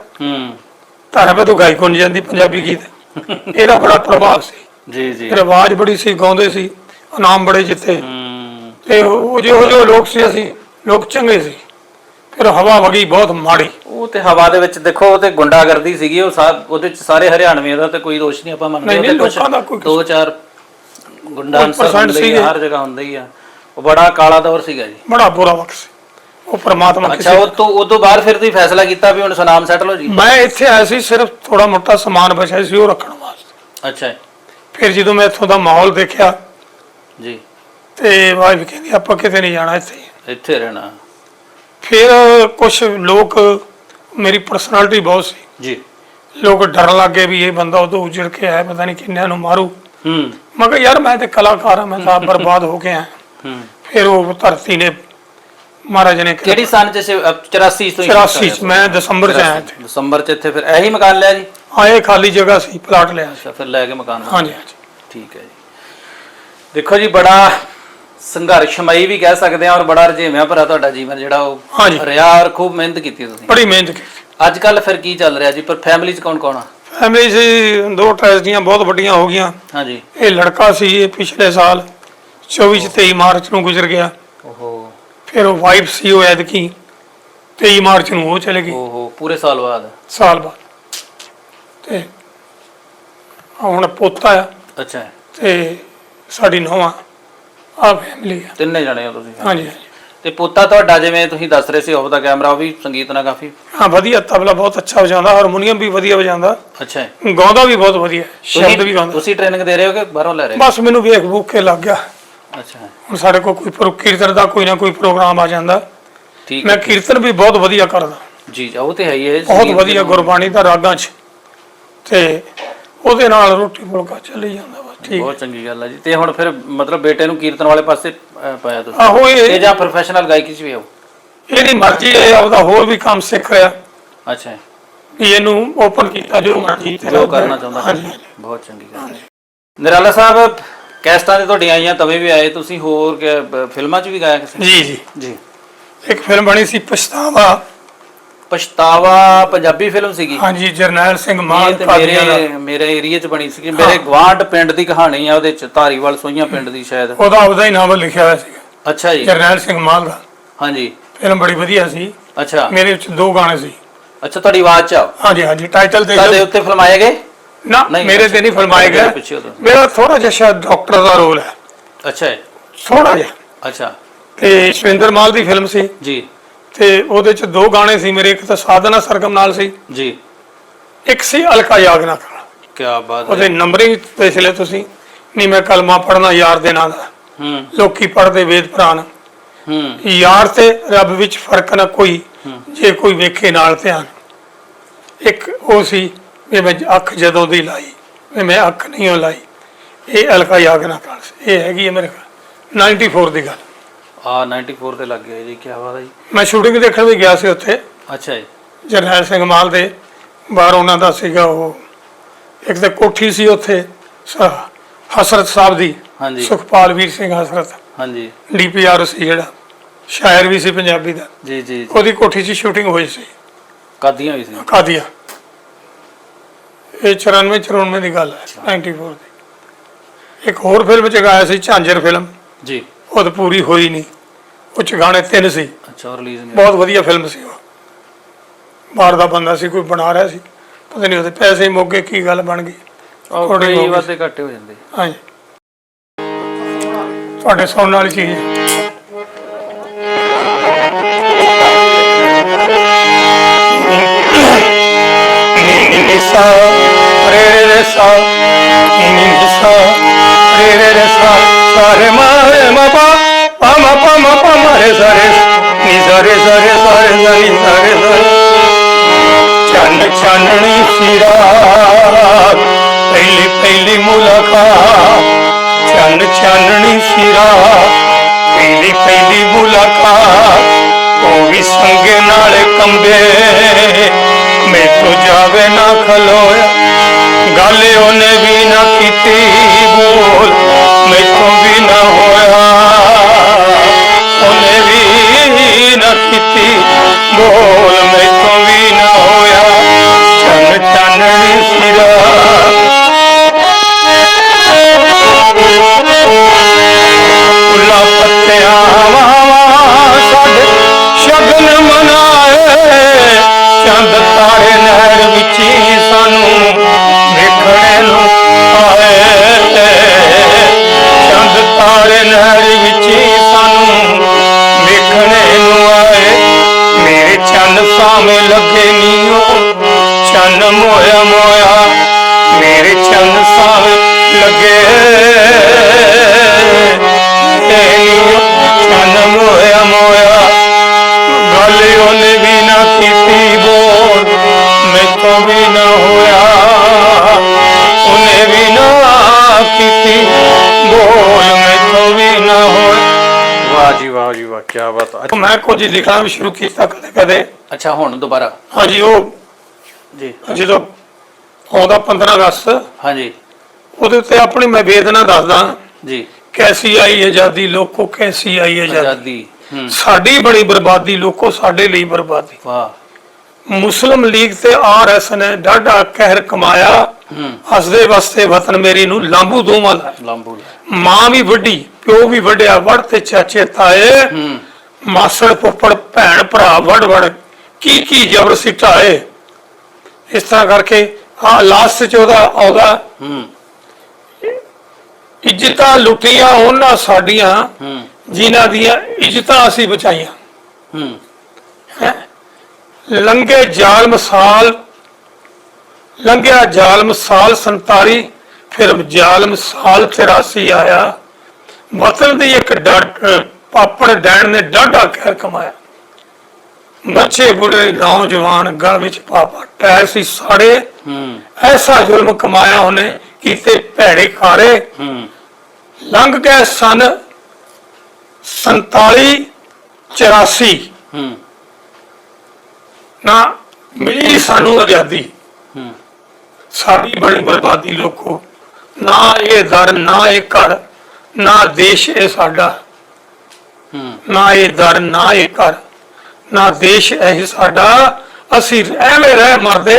B: ਧਾਰਾ ਪੇ ਤੋਂ ਗਾਇਕ ਹੋਣੀ ਜਾਂਦੀ ਪੰਜਾਬੀ ਗੀਤ। ਇਹਦਾ ਬੜਾ ਪ੍ਰਭਾਵ ਸੀ ਜੀ ਜੀ। ਫਿਰ ਆਵਾਜ਼ ਬੜੀ ਸੀ, ਗਾਉਂਦੇ ਸੀ, ਇਨਾਮ ਬੜੇ ਜਿੱਤੇ। ਤੇ ਉਹ ਜਿਹੋ ਲੋਕ ਸੀ, ਅਸੀਂ ਲੋਕ ਚੰਗੇ ਸੀ। ਫਿਰ ਹਵਾ ਵਗੀ ਬਹੁਤ ਮਾੜੀ। ਉਹ
A: ਤੇ ਹਵਾ ਦੇ ਵਿੱਚ ਦੇਖੋ, ਉਹ ਤੇ ਗੁੰਡਾਗਰਦੀ ਸੀਗੀ, ਉਹਦੇ ਚ ਸਾਰੇ ਹਰਿਆਣਵੀਆਂ ਦਾ ਤੇ ਕੋਈ ਦੋਸ਼ ਨਹੀਂ ਆਪਾਂ ਮੰਨਦੇ। ਦੋ ਚਾਰ ਗੁੰਡਾ ਹਰ ਜਗ੍ਹਾ ਹੁੰਦਾ ਹੀ ਆ। ਉਹ ਬੜਾ ਕਾਲਾ ਦੌਰ ਸੀਗਾ ਜੀ,
B: ਬੜਾ ਬੁਰਾ ਵਕਤ ਸੀ। ਉਹ ਪ੍ਰਮਾਤਮਾ।
A: ਅੱਛਾ, ਉਹ ਤੋਂ ਬਾਅਦ ਫਿਰ ਤੁਸੀਂ ਫੈਸਲਾ ਕੀਤਾ ਵੀ ਹੁਣ ਸੁਨਾਮ ਸੈਟਲ ਹੋ ਜੀ?
B: ਮੈਂ ਇੱਥੇ ਆਇਆ ਸੀ, ਸਿਰਫ ਥੋੜਾ ਮੋਟਾ ਸਮਾਨ ਬਚਿਆ ਸੀ ਉਹ ਰੱਖਣ ਵਾਸਤੇ।
A: ਅੱਛਾ।
B: ਫਿਰ ਜਦੋਂ ਮੈਂ ਇੱਥੋਂ ਦਾ ਮਾਹੌਲ ਦੇਖਿਆ
A: ਜੀ
B: ਤੇ ਵਾਈਫ ਕਹਿੰਦੀ ਆਪਾਂ ਕਿਤੇ ਨਹੀਂ ਜਾਣਾ,
A: ਇੱਥੇ ਰਹਿਣਾ।
B: ਫਿਰ ਕੁਝ ਲੋਕ, ਮੇਰੀ ਪਰਸਨੈਲਿਟੀ ਬਹੁਤ ਸੀ
A: ਜੀ,
B: ਲੋਕ ਡਰਨ ਲੱਗੇ ਵੀ ਇਹ ਬੰਦਾ ਉਦੋਂ ਉਜੜ ਕੇ ਆਇਆ, ਪਤਾ ਨਹੀਂ ਕਿੰਨਿਆਂ ਨੂੰ ਮਾਰੂ। ਮੈਂ ਕਿਹਾ ਯਾਰ ਮੈਂ ਤੇ ਕਲਾਕਾਰ ਹਾਂ, ਮੈਂ ਤਾਂ ਬਰਬਾਦ ਹੋ ਗਿਆ। ਫਿਰ ਉਹ ਧਰਤੀ ਨੇ, ਮਹਾਰਾਜ ਨੇ,
A: ਕਿਹੜੀ ਸਨ ਚ 84 ਤੋਂ
B: 84 ਚ ਮੈਂ ਦਸੰਬਰ ਚ ਆਇਆ ਇੱਥੇ।
A: ਦਸੰਬਰ ਚ ਇੱਥੇ ਫਿਰ ਇਹੀ ਮਕਾਨ ਲਿਆ ਜੀ?
B: ਹਾਂ, ਇਹ ਖਾਲੀ ਜਗ੍ਹਾ ਸੀ, ਪਲਾਟ ਲਿਆ।
A: ਅੱਛਾ, ਫਿਰ ਲੈ ਕੇ ਮਕਾਨ।
B: ਹਾਂਜੀ ਹਾਂਜੀ,
A: ਠੀਕ ਹੈ ਜੀ। ਦੇਖੋ ਜੀ, ਬੜਾ ਸੰਘਰਸ਼ਮਈ ਵੀ ਕਹਿ ਸਕਦੇ ਆ ਔਰ ਬੜਾ ਰੁਝੇਵਿਆਂ ਭਰਾ ਤੁਹਾਡਾ ਜੀਵਨ ਜਿਹੜਾ ਉਹ ਰਿਹਾ ਔਰ ਖੂਬ ਮਿਹਨਤ ਕੀਤੀ ਤੁਸੀਂ।
B: ਬੜੀ ਮਿਹਨਤ ਕੀਤੀ। ਅੱਜ
A: ਕੱਲ ਫਿਰ ਕੀ ਚੱਲ ਰਿਹਾ ਜੀ? ਪਰ ਫੈਮਿਲੀ ਚ ਕੌਣ ਕੌਣ ਆ?
B: ਫੈਮਿਲੀ 'ਚ 2 ਟ੍ਰੈਜਡੀਆਂ ਬਹੁਤ ਵੱਡੀਆਂ ਹੋ ਗਈਆਂ।
A: ਹਾਂਜੀ।
B: ਇਹ ਲੜਕਾ ਸੀ, ਇਹ ਪਿਛਲੇ ਸਾਲ 23 ਮਾਰਚ ਨੂੰ ਗੁਜ਼ਰ ਗਿਆ।
A: ਓਹੋ।
B: ਫਿਰ ਉਹ ਵਾਈਫ ਸੀ, ਉਹ ਐਤਕੀ 23 ਮਾਰਚ ਨੂੰ ਉਹ ਚਲੇ ਗਈ।
A: ਓਹੋ, ਪੂਰੇ ਸਾਲ ਬਾਅਦ?
B: ਸਾਲ ਬਾਅਦ। ਤੇ ਹੁਣ ਪੋਤਾ ਆ।
A: ਅੱਛਾ।
B: ਤੇ ਸਾਡੀ ਨੂੰਹ ਆ ਫੈਮਿਲੀ ਆ।
A: ਤਿੰਨੇ ਜਣੇ ਹੋ ਤੁਸੀਂ?
B: ਹਾਂਜੀ ਹਾਂਜੀ।
A: ਤੇ ਪੋਤਾ ਤੁਹਾਡਾ, ਜਿਵੇਂ ਤੁਸੀਂ ਦੱਸ ਰਹੇ ਸੀ ਆਫ ਦਾ ਕੈਮਰਾ, ਉਹ ਵੀ ਸੰਗੀਤ ਨਾਲ ਕਾਫੀ?
B: ਹਾਂ, ਵਧੀਆ, ਤਬਲਾ ਬਹੁਤ ਅੱਛਾ ਵਜਾਉਂਦਾ, ਹਾਰਮੋਨੀਅਮ ਵੀ ਵਧੀਆ ਵਜਾਉਂਦਾ।
A: ਅੱਛਾ।
B: ਗਾਉਂਦਾ ਵੀ ਬਹੁਤ ਵਧੀਆ, ਸ਼ਬਦ ਵੀ ਗਾਉਂਦਾ।
A: ਤੁਸੀਂ ਟ੍ਰੇਨਿੰਗ ਦੇ ਰਹੇ ਹੋ ਕਿ ਬਾਹਰੋਂ ਲੈ ਰਹੇ?
B: ਬਸ ਮੈਨੂੰ ਵੇਖ ਵੂਖ ਕੇ ਲੱਗ ਗਿਆ।
A: ਅੱਛਾ।
B: ਹੁਣ ਸਾਡੇ ਕੋਲ ਕੋਈ ਕੀਰਤਨ ਦਾ ਕੋਈ ਨਾ ਕੋਈ ਪ੍ਰੋਗਰਾਮ ਆ ਜਾਂਦਾ।
A: ਠੀਕ।
B: ਮੈਂ ਕੀਰਤਨ ਵੀ ਬਹੁਤ ਵਧੀਆ ਕਰਦਾ
A: ਜੀ, ਉਹ ਤੇ ਹੈ ਹੀ ਹੈ,
B: ਬਹੁਤ ਵਧੀਆ, ਗੁਰਬਾਣੀ ਦਾ ਰਾਗਾਂ 'ਚ, ਤੇ ਉਹਦੇ ਨਾਲ ਰੋਟੀ ਫੁਲਕਾ ਚੱਲੀ ਜਾਂਦਾ। ਬਸ ਠੀਕ,
A: ਬਹੁਤ ਚੰਗੀ ਗੱਲ ਹੈ ਜੀ। ਤੇ ਹੁਣ ਫਿਰ ਮਤਲਬ ਬੇਟੇ ਨੂੰ ਕੀਰਤਨ ਵਾਲੇ ਪਾਸੇ ਪਾਇਆ ਤੁਸੀਂ?
B: ਆਹੋ,
A: ਇਹ ਜਾਂ ਪ੍ਰੋਫੈਸ਼ਨਲ ਗਾਇਕੀ 'ਚ ਵੀ ਆਓ?
B: ਇਹਦੀ ਮਰਜ਼ੀ ਹੈ, ਆਪਦਾ ਹੋਰ ਵੀ ਕੰਮ ਸਿੱਖ ਰਿਹਾ।
A: ਅੱਛਾ।
B: ਵੀ ਇਹਨੂੰ ਓਪਨ ਕੀਤਾ, ਜੋ ਮਰਜ਼ੀ
A: ਜੋ ਕਰਨਾ ਚਾਹੁੰਦਾ।
B: ਹਾਂਜੀ,
A: ਬਹੁਤ ਚੰਗੀ ਗੱਲ ਹੈ। ਨਿਰਾਲਾ ਸਾਹਿਬ, ਕੈਸਟਾਂ ਤੇ ਤੁਹਾਡੀਆਂ ਆਈਆਂ, ਤਵੇ ਵੀ ਆਏ, ਤੁਸੀਂ ਹੋਰ ਫਿਲਮਾਂ 'ਚ ਵੀ ਗਾਇਆ ਕਿਸੇ?
B: ਜੀ ਜੀ
A: ਜੀ।
B: ਇੱਕ ਫਿਲਮ ਬਣੀ ਸੀ ਪਛਤਾਵਾ।
A: ਪਛਤਾਵਾ ਪੰਜਾਬੀ ਫਿਲਮ ਸੀਗੀ?
B: ਹਾਂਜੀ, ਜਰਨੈਲ ਸਿੰਘ ਮਾਨ
A: ਤੇ ਮੇਰੇ ਏਰੀਆ 'ਚ ਬਣੀ ਸੀ। ਮੇਰੇ ਗਵਾਂਢ ਪਿੰਡ ਦੀ ਕਹਾਣੀ ਆ ਉਹਦੇ 'ਚ, ਧਾਰੀਵਾਲ ਸੋਈਆਂ ਪਿੰਡ ਦੀ ਸ਼ਾਇਦ।
B: ਉਹਦਾ ਆਪਦਾ ਹੀ ਨਾਵਲ ਲਿਖਿਆ ਹੋਇਆ ਸੀ।
A: ਅੱਛਾ ਜੀ।
B: ਜਰਨੈਲ ਸਿੰਘ ਮਾਨ ਦਾ।
A: ਹਾਂਜੀ।
B: ਫਿਲਮ ਬੜੀ ਵਧੀਆ ਸੀ।
A: ਅੱਛਾ।
B: ਮੇਰੇ ਵਿੱਚ 2 ਗਾਣੇ ਸੀ।
A: ਅੱਛਾ, ਤੁਹਾਡੀ ਆਵਾਜ਼ 'ਚ?
B: ਹਾਂਜੀ ਹਾਂਜੀ। ਟਾਈਟਲ ਤੇ
A: ਤੁਹਾਡੇ ਉੱਤੇ ਫਿਲਮਾਏ ਗਏ?
B: ਨਾ, ਮੇਰੇ ਤੇ ਨਹੀਂ ਫਿਲਮਾਏ ਗਏ। ਮੇਰਾ ਥੋੜਾ ਜਿਹਾ ਸ਼ਾਇਦ ਡਾਕਟਰ ਦਾ ਰੋਲ ਹੈ।
A: ਅੱਛਾ,
B: ਥੋੜਾ ਜਿਹਾ।
A: ਅੱਛਾ।
B: ਤੇ ਸ਼ਵਿੰਦਰ ਮਾਲ ਦੀ ਫਿਲਮ ਸੀ
A: ਜੀ। ਤੇ
B: ਉਹਦੇ 'ਚ 2 ਗਾਣੇ ਸੀ ਮੇਰੇ, ਇੱਕ ਤਾਂ ਸਾਧਨਾ ਸਰਗਮ ਨਾਲ ਸੀ
A: ਜੀ,
B: ਇੱਕ ਸੀ ਅਲਕਾ ਯਾਗਨਾ ਨਾਲ।
A: ਕੀ ਬਾਤ ਹੈ।
B: ਉਹਦੇ ਨੰਬਰਿੰਗ ਦੇਖ ਲਿਆ ਤੁਸੀਂ। ਨਹੀਂ ਮੈਂ ਕਲਮਾ ਪੜਨਾ ਯਾਰ ਦੇ ਨਾਂ ਦਾ, ਲੋਕੀ ਪੜਦੇ ਵੇਦ ਪੁਰਾਣ। ਯਾਰ ਤੇ ਰੱਬ ਵਿੱਚ ਫਰਕ ਨਾ ਕੋਈ, ਜੇ ਕੋਈ ਵੇਖੇ ਨਾਲ ਧਿਆਨ। ਇੱਕ ਉਹ ਸੀ ਵੀ ਮੈਂ ਅੱਖ ਜਦੋਂ ਦੀ ਲਾਈ, ਵੀ ਮੈਂ ਅੱਖ ਨਹੀਂ ਹੋ ਲਾਈ। ਇਹ ਅਲਕਾ ਯਾਗਨਾ ਨਾਲ ਸੀ। ਇਹ ਹੈਗੀ ਹੈ ਮੇਰੇ 94 ਦੀ ਗੱਲ।
A: 94 ਤੇ ਲੱਗ ਗਿਆ ਜੀ, ਕੀ ਬਾਤ ਹੈ ਜੀ।
B: ਮੈਂ ਸ਼ੂਟਿੰਗ ਦੇਖਣ ਵੀ ਗਿਆ ਸੀ ਉੱਥੇ।
A: ਅੱਛਾ ਜੀ।
B: ਜਰਨੈਲ ਸਿੰਘ ਮਾਲ ਦੇ ਬਾਹਰ ਉਹਨਾਂ ਦਾ ਸੀਗਾ ਉਹ, ਇੱਕ ਤਾਂ ਕੋਠੀ ਸੀ ਉੱਥੇ ਹਸਰਤ ਸਾਹਿਬ ਦੀ।
A: ਹਾਂਜੀ।
B: ਸੁਖਪਾਲ ਵੀਰ ਸਿੰਘ ਹਸਰਤ।
A: ਹਾਂਜੀ।
B: DPR ਸੀ ਜਿਹੜਾ, ਸ਼ਾਇਰ ਵੀ ਸੀ ਪੰਜਾਬੀ ਦਾ।
A: ਜੀ ਜੀ।
B: ਉਹਦੀ ਕੋਠੀ 'ਚ ਸ਼ੂਟਿੰਗ ਹੋਈ ਸੀ।
A: ਕਾਦੀਆਂ ਹੋਈ ਸੀ?
B: ਕਾਦੀਆਂ। ਇਹ 94 ਦੀ ਗੱਲ ਹੈ, 94 ਦੀ। ਇੱਕ ਹੋਰ ਫਿਲਮ 'ਚ ਗਾਇਆ ਸੀ, ਝਾਂਜਰ ਫਿਲਮ
A: ਜੀ।
B: ਉਹ ਤਾਂ ਪੂਰੀ ਹੋਈ ਨਹੀਂ, ਉਹ 'ਚ ਗਾਣੇ 3 ਸੀ।
A: ਅੱਛਾ, ਰਿਲੀਜ਼ ਨਹੀਂ?
B: ਬਹੁਤ ਵਧੀਆ ਫਿਲਮ ਸੀ ਉਹ। ਬਾਹਰ ਦਾ ਬੰਦਾ ਸੀ, ਕੋਈ ਬਣਾ ਰਿਹਾ ਸੀ, ਪਤਾ ਨਹੀਂ ਉਹਦੇ ਪੈਸੇ ਮੁੱਕ ਗਏ, ਕੀ ਗੱਲ ਬਣ ਗਈ।
A: ਕਈ ਵਾਧੇ ਘਾਟੇ ਹੋ ਜਾਂਦੇ।
B: ਹਾਂਜੀ। ਤੁਹਾਡੇ ਸੁਣਨ ਵਾਲੀ ਚੀਜ਼ ਹੈ। ਸਾਰੇ ਮਾਰੇ ਮਪਾ ਪਮ ਪਮ ਪਮ ਰੇ ਸਾਰੇ ਨੀ ਸਾਰੇ ਸਾਰੇ ਸਾਰੇ ਨੀ ਸਾਰੇ ਚੰਨ ਚਾਨਣੀ ਸੀ ਰਾਤ, ਪਹਿਲੀ ਪਹਿਲੀ ਮੁਲਾਕਾਤ। ਚੰਨ ਚਾਨਣੀ ਸੀ ਰਾਤ, ਪਹਿਲੀ ਪਹਿਲੀ ਮੁਲਾਕਾਤ। ਉਹ ਵੀ ਸੰਗੇ ਨਾਲ ਕੰਬੇ, ਮੈਥੋਂ ਜਾਵੇ ਨਾ ਖਲੋਇਆ। ਗੱਲ ਉਹਨੇ ਵੀ ਨਾ ਕੀਤੀ, ਬੋਲ ਮੈਥੋਂ ਵੀ ਨਾ ਹੋਇਆ। ਉਹਨੇ ਵੀ ਨਾ ਕੀਤੀ, ਬੋਲ ਮੈਥੋਂ ਵੀ ਨਾ ਹੋਇਆ। ਚੰਨ ਚਾਨਣੀ ਸੀ ਰਾਤ, ਫੁੱਲਾਂ ਪੱਤਿਆਂ ਵਾਵਾ ਸਾਡੇ ਸ਼ਗਨ ਮਨਾਏ। ਚੰਦ ਤਾਰੇ ਨਹਿਰ ਵਿੱਚ ਸਾਨੂੰ ਵੇਖਣੇ ਨੂੰ ਆਏ।
A: ਬਾਤ ਹੈ।
B: ਮੈਂ ਕੁਝ ਲਿਖਣਾ ਵੀ ਸ਼ੁਰੂ ਕੀਤਾ ਕਦੇ ਕਦੇ।
A: ਅੱਛਾ, ਹੁਣ ਦੁਬਾਰਾ?
B: ਹਾਂਜੀ, ਉਹ
A: ਜੀ
B: ਜਦੋਂ ਆਉਂਦਾ 15 ਅਗਸਤ,
A: ਹਾਂਜੀ,
B: ਉਹਦੇ ਉੱਤੇ ਆਪਣੀ ਮੈਂ ਵੇਦਨਾ ਦੱਸਦਾ
A: ਜੀ।
B: ਕੈਸੀ ਆਈ ਆਜ਼ਾਦੀ ਲੋਕੋ, ਕੈਸੀ ਆਈ ਆਜ਼ਾਦੀ।
A: ਆਜ਼ਾਦੀ।
B: ਸਾਡੀ ਬੜੀ ਬਰਬਾਦੀ ਲੋਕੋ, ਸਾਡੇ ਲਈ ਬਰਬਾਦੀ।
A: ਵਾਹ।
B: ਮੁਸਲਿਮ ਲੀਗ ਤੇ ਆਰਐਸ ਨੇ ਡਾਢਾ ਕਹਿਰ ਕਮਾਇਆ, ਹੱਸਦੇ ਵਸਦੇ ਵਤਨ ਮੇਰੀ ਨੂੰ ਲਾਂਬੂ ਦੋਵਾਂ ਦਾ।
A: ਲਾਂਬੂ।
B: ਮਾਂ ਵੀ ਵੱਡੀ, ਪਿਓ ਵੀ ਵੱਡਿਆ, ਵੜ ਤੇ ਚਾਚੇ ਤਾਏ, ਮਾਸੜ ਫੁੱਫੜ ਭੈਣ ਭਰਾ ਵੜ ਵੜ ਕੀ ਜ਼ਬਰ ਸਿਟਾਏ। ਇਸ ਤਰ੍ਹਾਂ ਕਰਕੇ ਆ ਲਾਸਟ ਚ ਉਹਦਾ ਆਉਂਦਾ, ਇੱਜ਼ਤਾਂ ਲੁੱਟੀਆਂ ਉਹਨਾਂ ਸਾਡੀਆਂ ਜਿਨ੍ਹਾਂ ਦੀਆਂ ਇੱਜ਼ਤਾਂ ਅਸੀਂ ਬਚਾਈਆਂ। ਲੰਘੇ ਜ਼ਾਲਮ ਸਾਲ, ਲੰਘਿਆ ਜ਼ਾਲਮ ਸਾਲ 47, ਫਿਰ ਜ਼ਾਲਮ ਸਾਲ 83 ਆਇਆ। ਵਤਨ ਦੀ ਇੱਕ ਪਾਪੜ ਡੈਣ ਨੇ ਡਾਢਾ ਕਹਿਰ ਕਮਾਇਆ। ਬੱਚੇ ਬੁੱਢੇ ਨੌਜਵਾਨ ਗਲ ਵਿੱਚ ਪਾਪਾ ਟੈਰ ਸੀ ਸਾੜੇ, ਐਸਾ ਜ਼ੁਲਮ ਕਮਾਇਆ ਉਹਨੇ ਕੀਤੇ ਭੈੜੇ ਖਾਰੇ। ਲੰਘ ਗਏ ਸਨ 47 84, ਨਾ ਮਿਲੀ ਸਾਨੂੰ ਆਜ਼ਾਦੀ। ਸਾਡੀ ਬੜੀ ਬਰਬਾਦੀ ਲੋਕੋ, ਨਾ ਇਹ ਦਰ ਨਾ ਇਹ ਘਰ, ਨਾ ਦੇਸ਼ ਇਹ ਸਾਡਾ। ਨਾ ਇਹ ਦਰ ਨਾ ਇਹ ਘਰ, ਨਾ ਦੇਸ਼ ਇਹ ਸਾਡਾ। ਅਸੀਂ ਐਵੇਂ ਰਹਿ ਮਰਦੇ,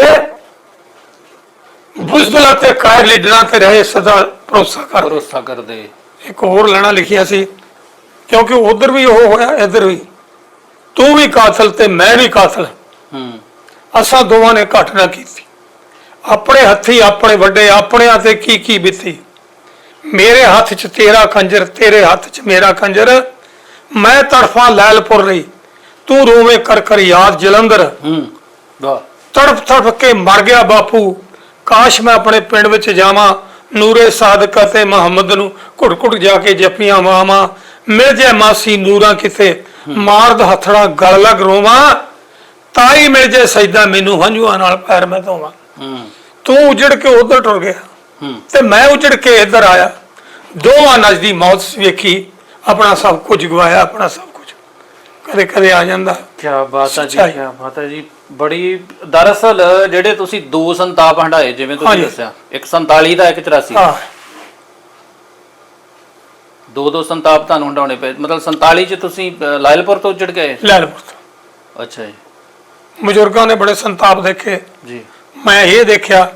B: ਬੁਜ਼ਦਲਾਂ ਤੇ ਕਾਇਰ ਲੀਡਰਾਂ ਤੇ ਰਹੇ ਸਦਾ ਭਰੋਸਾ
A: ਕਰਦੇ।
B: ਇੱਕ ਹੋਰ ਲੈਣਾ ਲਿਖਿਆ ਸੀ, ਕਿਉਂਕਿ ਉਧਰ ਵੀ ਉਹ ਹੋਇਆ ਇੱਧਰ ਵੀ, ਤੂੰ ਵੀ ਕਾਤਲ ਤੇ ਮੈਂ ਵੀ ਕਾਤਲ, ਅਸਾਂ ਦੋਵਾਂ ਨੇ ਘੱਟ ਨਾ ਕੀਤੀ। ਆਪਣੇ ਹੱਥੀ ਆਪਣੇ ਵੱਡੇ, ਆਪਣਿਆਂ ਤੇ ਕੀ ਬੀਤੀ। ਮੇਰੇ ਹੱਥ 'ਚ ਤੇਰਾ ਖੰਜਰ, ਤੇਰੇ ਹੱਥ 'ਚ ਮੇਰਾ ਖੰਜਰ। ਮੈਂ ਤੜਫਾਂ ਲੈਲਪੁਰ ਲਈ, ਤੂੰ ਰੋਵੇਂ ਕਰ ਯਾਦ ਜਲੰਧਰ। ਤੜਫ ਤੜਫ ਕੇ ਮਰ ਗਿਆ ਬਾਪੂ, ਕਾਸ਼ ਮੈਂ ਆਪਣੇ ਪਿੰਡ ਵਿੱਚ ਜਾਵਾਂ। ਨੂਰੇ ਸਾਦਕ ਅਤੇ ਮੁਹੰਮਦ ਨੂੰ ਘੁੱਟ ਘੁੱਟ ਜਾ ਕੇ ਜੱਫੀਆਂ ਵਾਵਾਂ। ਮਿਲ ਜਾਏ ਮਾਸੀ ਨੂਰਾਂ ਕਿਤੇ, ਮਾਰਦ ਹੱਥੜਾ ਗਲ ਲੱਗ ਰੋਵਾਂ। ਤਾਈ ਮਿਲ ਜਾਏ ਸਜਦਾ ਮੈਨੂੰ, ਹੰਝੂਆਂ ਨਾਲ ਪੈਰ ਮੈਂ ਧੋਵਾਂ। ਤੂੰ ਉਜੜ ਕੇ ਉਧਰ ਟੁਰ ਗਿਆ ਤੇ ਮੈਂ ਉਜੜ ਕੇ ਇੱਧਰ ਆਇਆ। ਦੋਵਾਂ ਨਜ਼ਦੀ ਮੌਤ ਵੇਖੀ, ਆਪਣਾ ਸਭ ਕੁਝ ਗਵਾਇਆ, ਆਪਣਾ ਸਭ ਕੁਝ ਕਦੇ ਕਦੇ ਆ ਜਾਂਦਾ।
A: ਕੀ ਬਾਤ ਹੈ ਜੀ, ਕੀ ਬਾਤ ਹੈ ਜੀ। ਬੜੀ ਦਰਅਸਲ ਜਿਹੜੇ ਤੁਸੀਂ ਦੋ ਸੰਤਾਪ ਹੰਡਾਏ, ਜਿਵੇਂ ਤੁਸੀਂ ਦੱਸਿਆ, ਇੱਕ 47 ਦਾ, ਇੱਕ 84। ਦੋ ਸੰਤਾਪ ਤੁਹਾਨੂੰ ਹੰਡਾਉਣੇ ਪਏ। ਮਤਲਬ 47 ਚ ਤੁਸੀਂ ਲਾਇਲਪੁਰ ਤੋਂ ਉੱਜੜ ਗਏ?
B: ਲਾਇਲਪੁਰ ਤੋਂ।
A: ਅੱਛਾ ਜੀ।
B: ਬਜ਼ੁਰਗਾਂ ਨੇ ਬੜੇ ਸੰਤਾਪ ਦੇਖੇ
A: ਜੀ,
B: ਮੈਂ ਇਹ ਦੇਖਿਆ।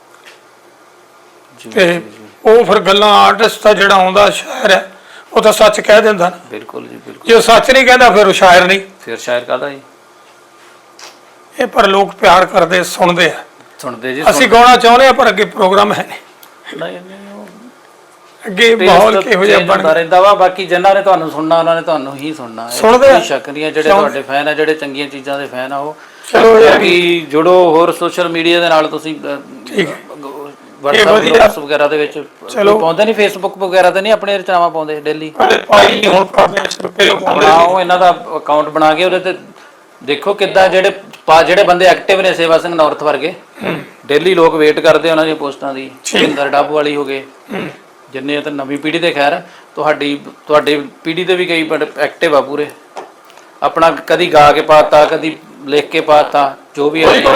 B: ਤੇ ਉਹ ਫਿਰ ਗੱਲਾਂ, ਆਰਟਿਸਟ ਦਾ ਜਿਹੜਾ ਆਉਂਦਾ ਸ਼ਾਇਰ ਹੈ, ਉਹ ਤਾਂ ਸੱਚ ਕਹਿ ਦਿੰਦਾ ਨਾ।
A: ਬਿਲਕੁਲ ਜੀ, ਬਿਲਕੁਲ।
B: ਜੇ ਸੱਚ ਨਹੀਂ ਕਹਿੰਦਾ ਫਿਰ ਉਹ ਸ਼ਾਇਰ ਨਹੀਂ।
A: ਫਿਰ ਸ਼ਾਇਰ ਕਾਹਦਾ ਜੀ?
B: ਇਹ ਪਰ ਲੋਕ ਪਿਆਰ ਕਰਦੇ, ਸੁਣਦੇ ਆ।
A: ਸੁਣਦੇ ਜੀ।
B: ਅਸੀਂ ਗਾਉਣਾ ਚਾਹੁੰਦੇ ਆ ਪਰ ਅੱਗੇ ਪ੍ਰੋਗਰਾਮ ਹੈ ਨਹੀਂ। ਅੱਗੇ ਮਾਹੌਲ ਕਿਹੋ ਜਿਹਾ ਬਣ
A: ਰਹਿੰਦਾ ਵਾ। ਬਾਕੀ ਜਿਨ੍ਹਾਂ ਨੇ ਤੁਹਾਨੂੰ ਸੁਣਨਾ ਉਹਨਾਂ ਨੇ ਤੁਹਾਨੂੰ ਹੀ ਸੁਣਨਾ।
B: ਸੁਣਦੇ
A: ਸ਼ੱਕ ਨਹੀਂ ਹੈ, ਜਿਹੜੇ ਤੁਹਾਡੇ ਫੈਨ ਆ, ਜਿਹੜੇ ਚੰਗੀਆਂ ਚੀਜ਼ਾਂ ਦੇ ਫੈਨ ਆ, ਉਹ
B: ਚਲੋ
A: ਜੁੜੋ। ਹੋਰ ਸੋਸ਼ਲ ਮੀਡੀਆ ਦੇ ਨਾਲ ਤੁਸੀਂ WhatsApp ਗਰੁੱਪਸ ਵਗੈਰਾ ਦੇ ਵਿੱਚ ਪਾਉਂਦੇ ਨਹੀਂ? Facebook ਵਗੈਰਾ ਤੇ ਨਹੀਂ ਆਪਣੇ ਰਚਨਾਵਾਂ ਪਾਉਂਦੇ ਡੇਲੀ? ਬਣਾਓ ਇਹਨਾਂ ਦਾ ਅਕਾਊਂਟ ਬਣਾ ਕੇ, ਉਹਦੇ ਤੇ ਦੇਖੋ ਕਿੱਦਾਂ ਜਿਹੜੇ ਬੰਦੇ ਐਕਟਿਵ ਨੇ, ਸੇਵਾ ਸਿੰਘ ਨੌਰਥ ਵਰਗੇ, ਡੇਲੀ ਲੋਕ ਵੇਟ ਕਰਦੇ ਉਹਨਾਂ ਦੀਆਂ ਪੋਸਟਾਂ ਦੀ। ਸਿੰਦਰ ਡੱਬ ਵਾਲੀ ਹੋ ਗਏ, ਜਿੰਨੇ ਤਾਂ ਨਵੀਂ ਪੀੜ੍ਹੀ ਦੇ, ਖੈਰ ਤੁਹਾਡੀ ਪੀੜ੍ਹੀ ਦੇ ਵੀ ਕਈ ਐਕਟਿਵ ਆ ਪੂਰੇ। ਆਪਣਾ ਕਦੀ ਗਾ ਕੇ ਪਾਤਾ, ਕਦੀ ਲਿਖ ਕੇ ਪਾਤਾ, ਜੋ ਵੀ ਹੈ।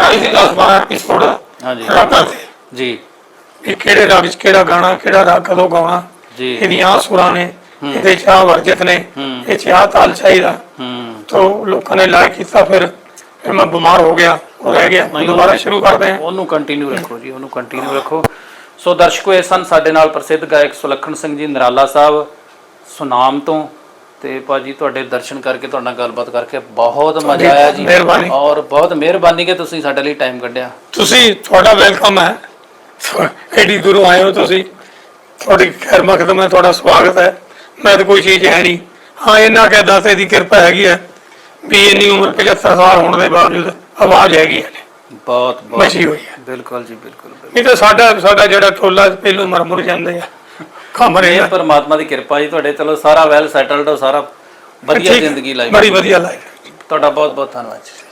A: ਹਾਂਜੀ ਜੀ।
B: ਇਹ ਕਿਹੜੇ ਰਾਗ ਵਿੱਚ ਕਿਹੜਾ ਗਾਣਾ, ਕਿਹੜਾ ਰਾਗ ਕਦੋਂ ਗਾਉਣਾ ਜੀ, ਇਹਦੀਆਂ ਸੁਰਾਂ ਨੇ, ਇਹਦੇ ਚਾਹ ਵਰਜਤ ਨੇ, ਇਹ ਚਾਹ ਤਾਲ ਚਾਹੀਦਾ। ਤੋ ਲੋਕਾਂ ਨੇ ਲਾਇਕ ਕੀਤਾ। ਫਿਰ ਮੈਂ ਬਿਮਾਰ ਹੋ ਗਿਆ, ਉਹ ਰਹਿ ਗਿਆ। ਦੁਬਾਰਾ ਸ਼ੁਰੂ ਕਰਦੇ ਹਾਂ।
A: ਉਹਨੂੰ ਕੰਟੀਨਿਊ ਰੱਖੋ ਜੀ, ਉਹਨੂੰ ਕੰਟੀਨਿਊ ਰੱਖੋ। ਸੋ ਦਰਸ਼ਕੋ, ਇਹ ਸਨ ਸਾਡੇ ਨਾਲ ਪ੍ਰਸਿੱਧ ਗਾਇਕ ਸੁਲੱਖਣ ਸਿੰਘ ਜੀ ਨਰਾਲਾ ਸਾਹਿਬ ਸੁਨਾਮ ਤੋਂ। ਤੇ ਭਾਜੀ ਤੁਹਾਡੇ ਦਰਸ਼ਨ ਕਰਕੇ, ਤੁਹਾਡੇ ਨਾਲ ਗੱਲਬਾਤ ਕਰਕੇ ਬਹੁਤ ਮਜ਼ਾ ਆਇਆ ਜੀ। ਔਰ ਬਹੁਤ ਮਿਹਰਬਾਨੀ ਕਿ ਤੁਸੀਂ ਸਾਡੇ ਲਈ ਟਾਈਮ ਕੱਢਿਆ।
B: ਤੁਸੀਂ, ਤੁਹਾਡਾ ਵੈਲਕਮ ਹੈ। ਐਡੀ ਦੂਰੋਂ ਆਏ ਹੋ ਤੁਸੀਂ, ਤੁਹਾਡੀ ਖੈਰ ਮਕਦਮ ਹੈ, ਤੁਹਾਡਾ ਸਵਾਗਤ ਹੈ। ਮੈਂ ਤਾਂ ਕੋਈ ਚੀਜ਼ ਹੈ ਨਹੀਂ। ਹਾਂ, ਇਹਨਾਂ ਕਹਿ ਦਾਤੇ ਦੀ ਕਿਰਪਾ ਹੈਗੀ ਹੈ ਵੀ ਇੰਨੀ ਉਮਰ 75 ਸਾਲ ਹੋਣ ਦੇ ਬਾਵਜੂਦ ਆਵਾਜ਼ ਹੈਗੀ ਹੈ, ਬਹੁਤ ਬਚੀ ਹੋਈ ਹੈ। ਬਿਲਕੁਲ ਜੀ, ਬਿਲਕੁਲ। ਨਹੀਂ ਤਾਂ ਸਾਡਾ ਜਿਹੜਾ ਟੋਲਾ ਪਹਿਲੋਂ ਮਰ ਜਾਂਦੇ ਆ।
A: ਇਹ ਪਰਮਾਤਮਾ ਦੀ ਕਿਰਪਾ ਜੀ ਤੁਹਾਡੇ। ਚਲੋ ਸਾਰਾ ਵੈਲ ਸੈਟਲਡ, ਸਾਰਾ ਵਧੀਆ ਜ਼ਿੰਦਗੀ ਲਾਈ,
B: ਬੜੀ ਵਧੀਆ ਲਾਈ।
A: ਤੁਹਾਡਾ ਬਹੁਤ ਬਹੁਤ ਧੰਨਵਾਦ ਜੀ।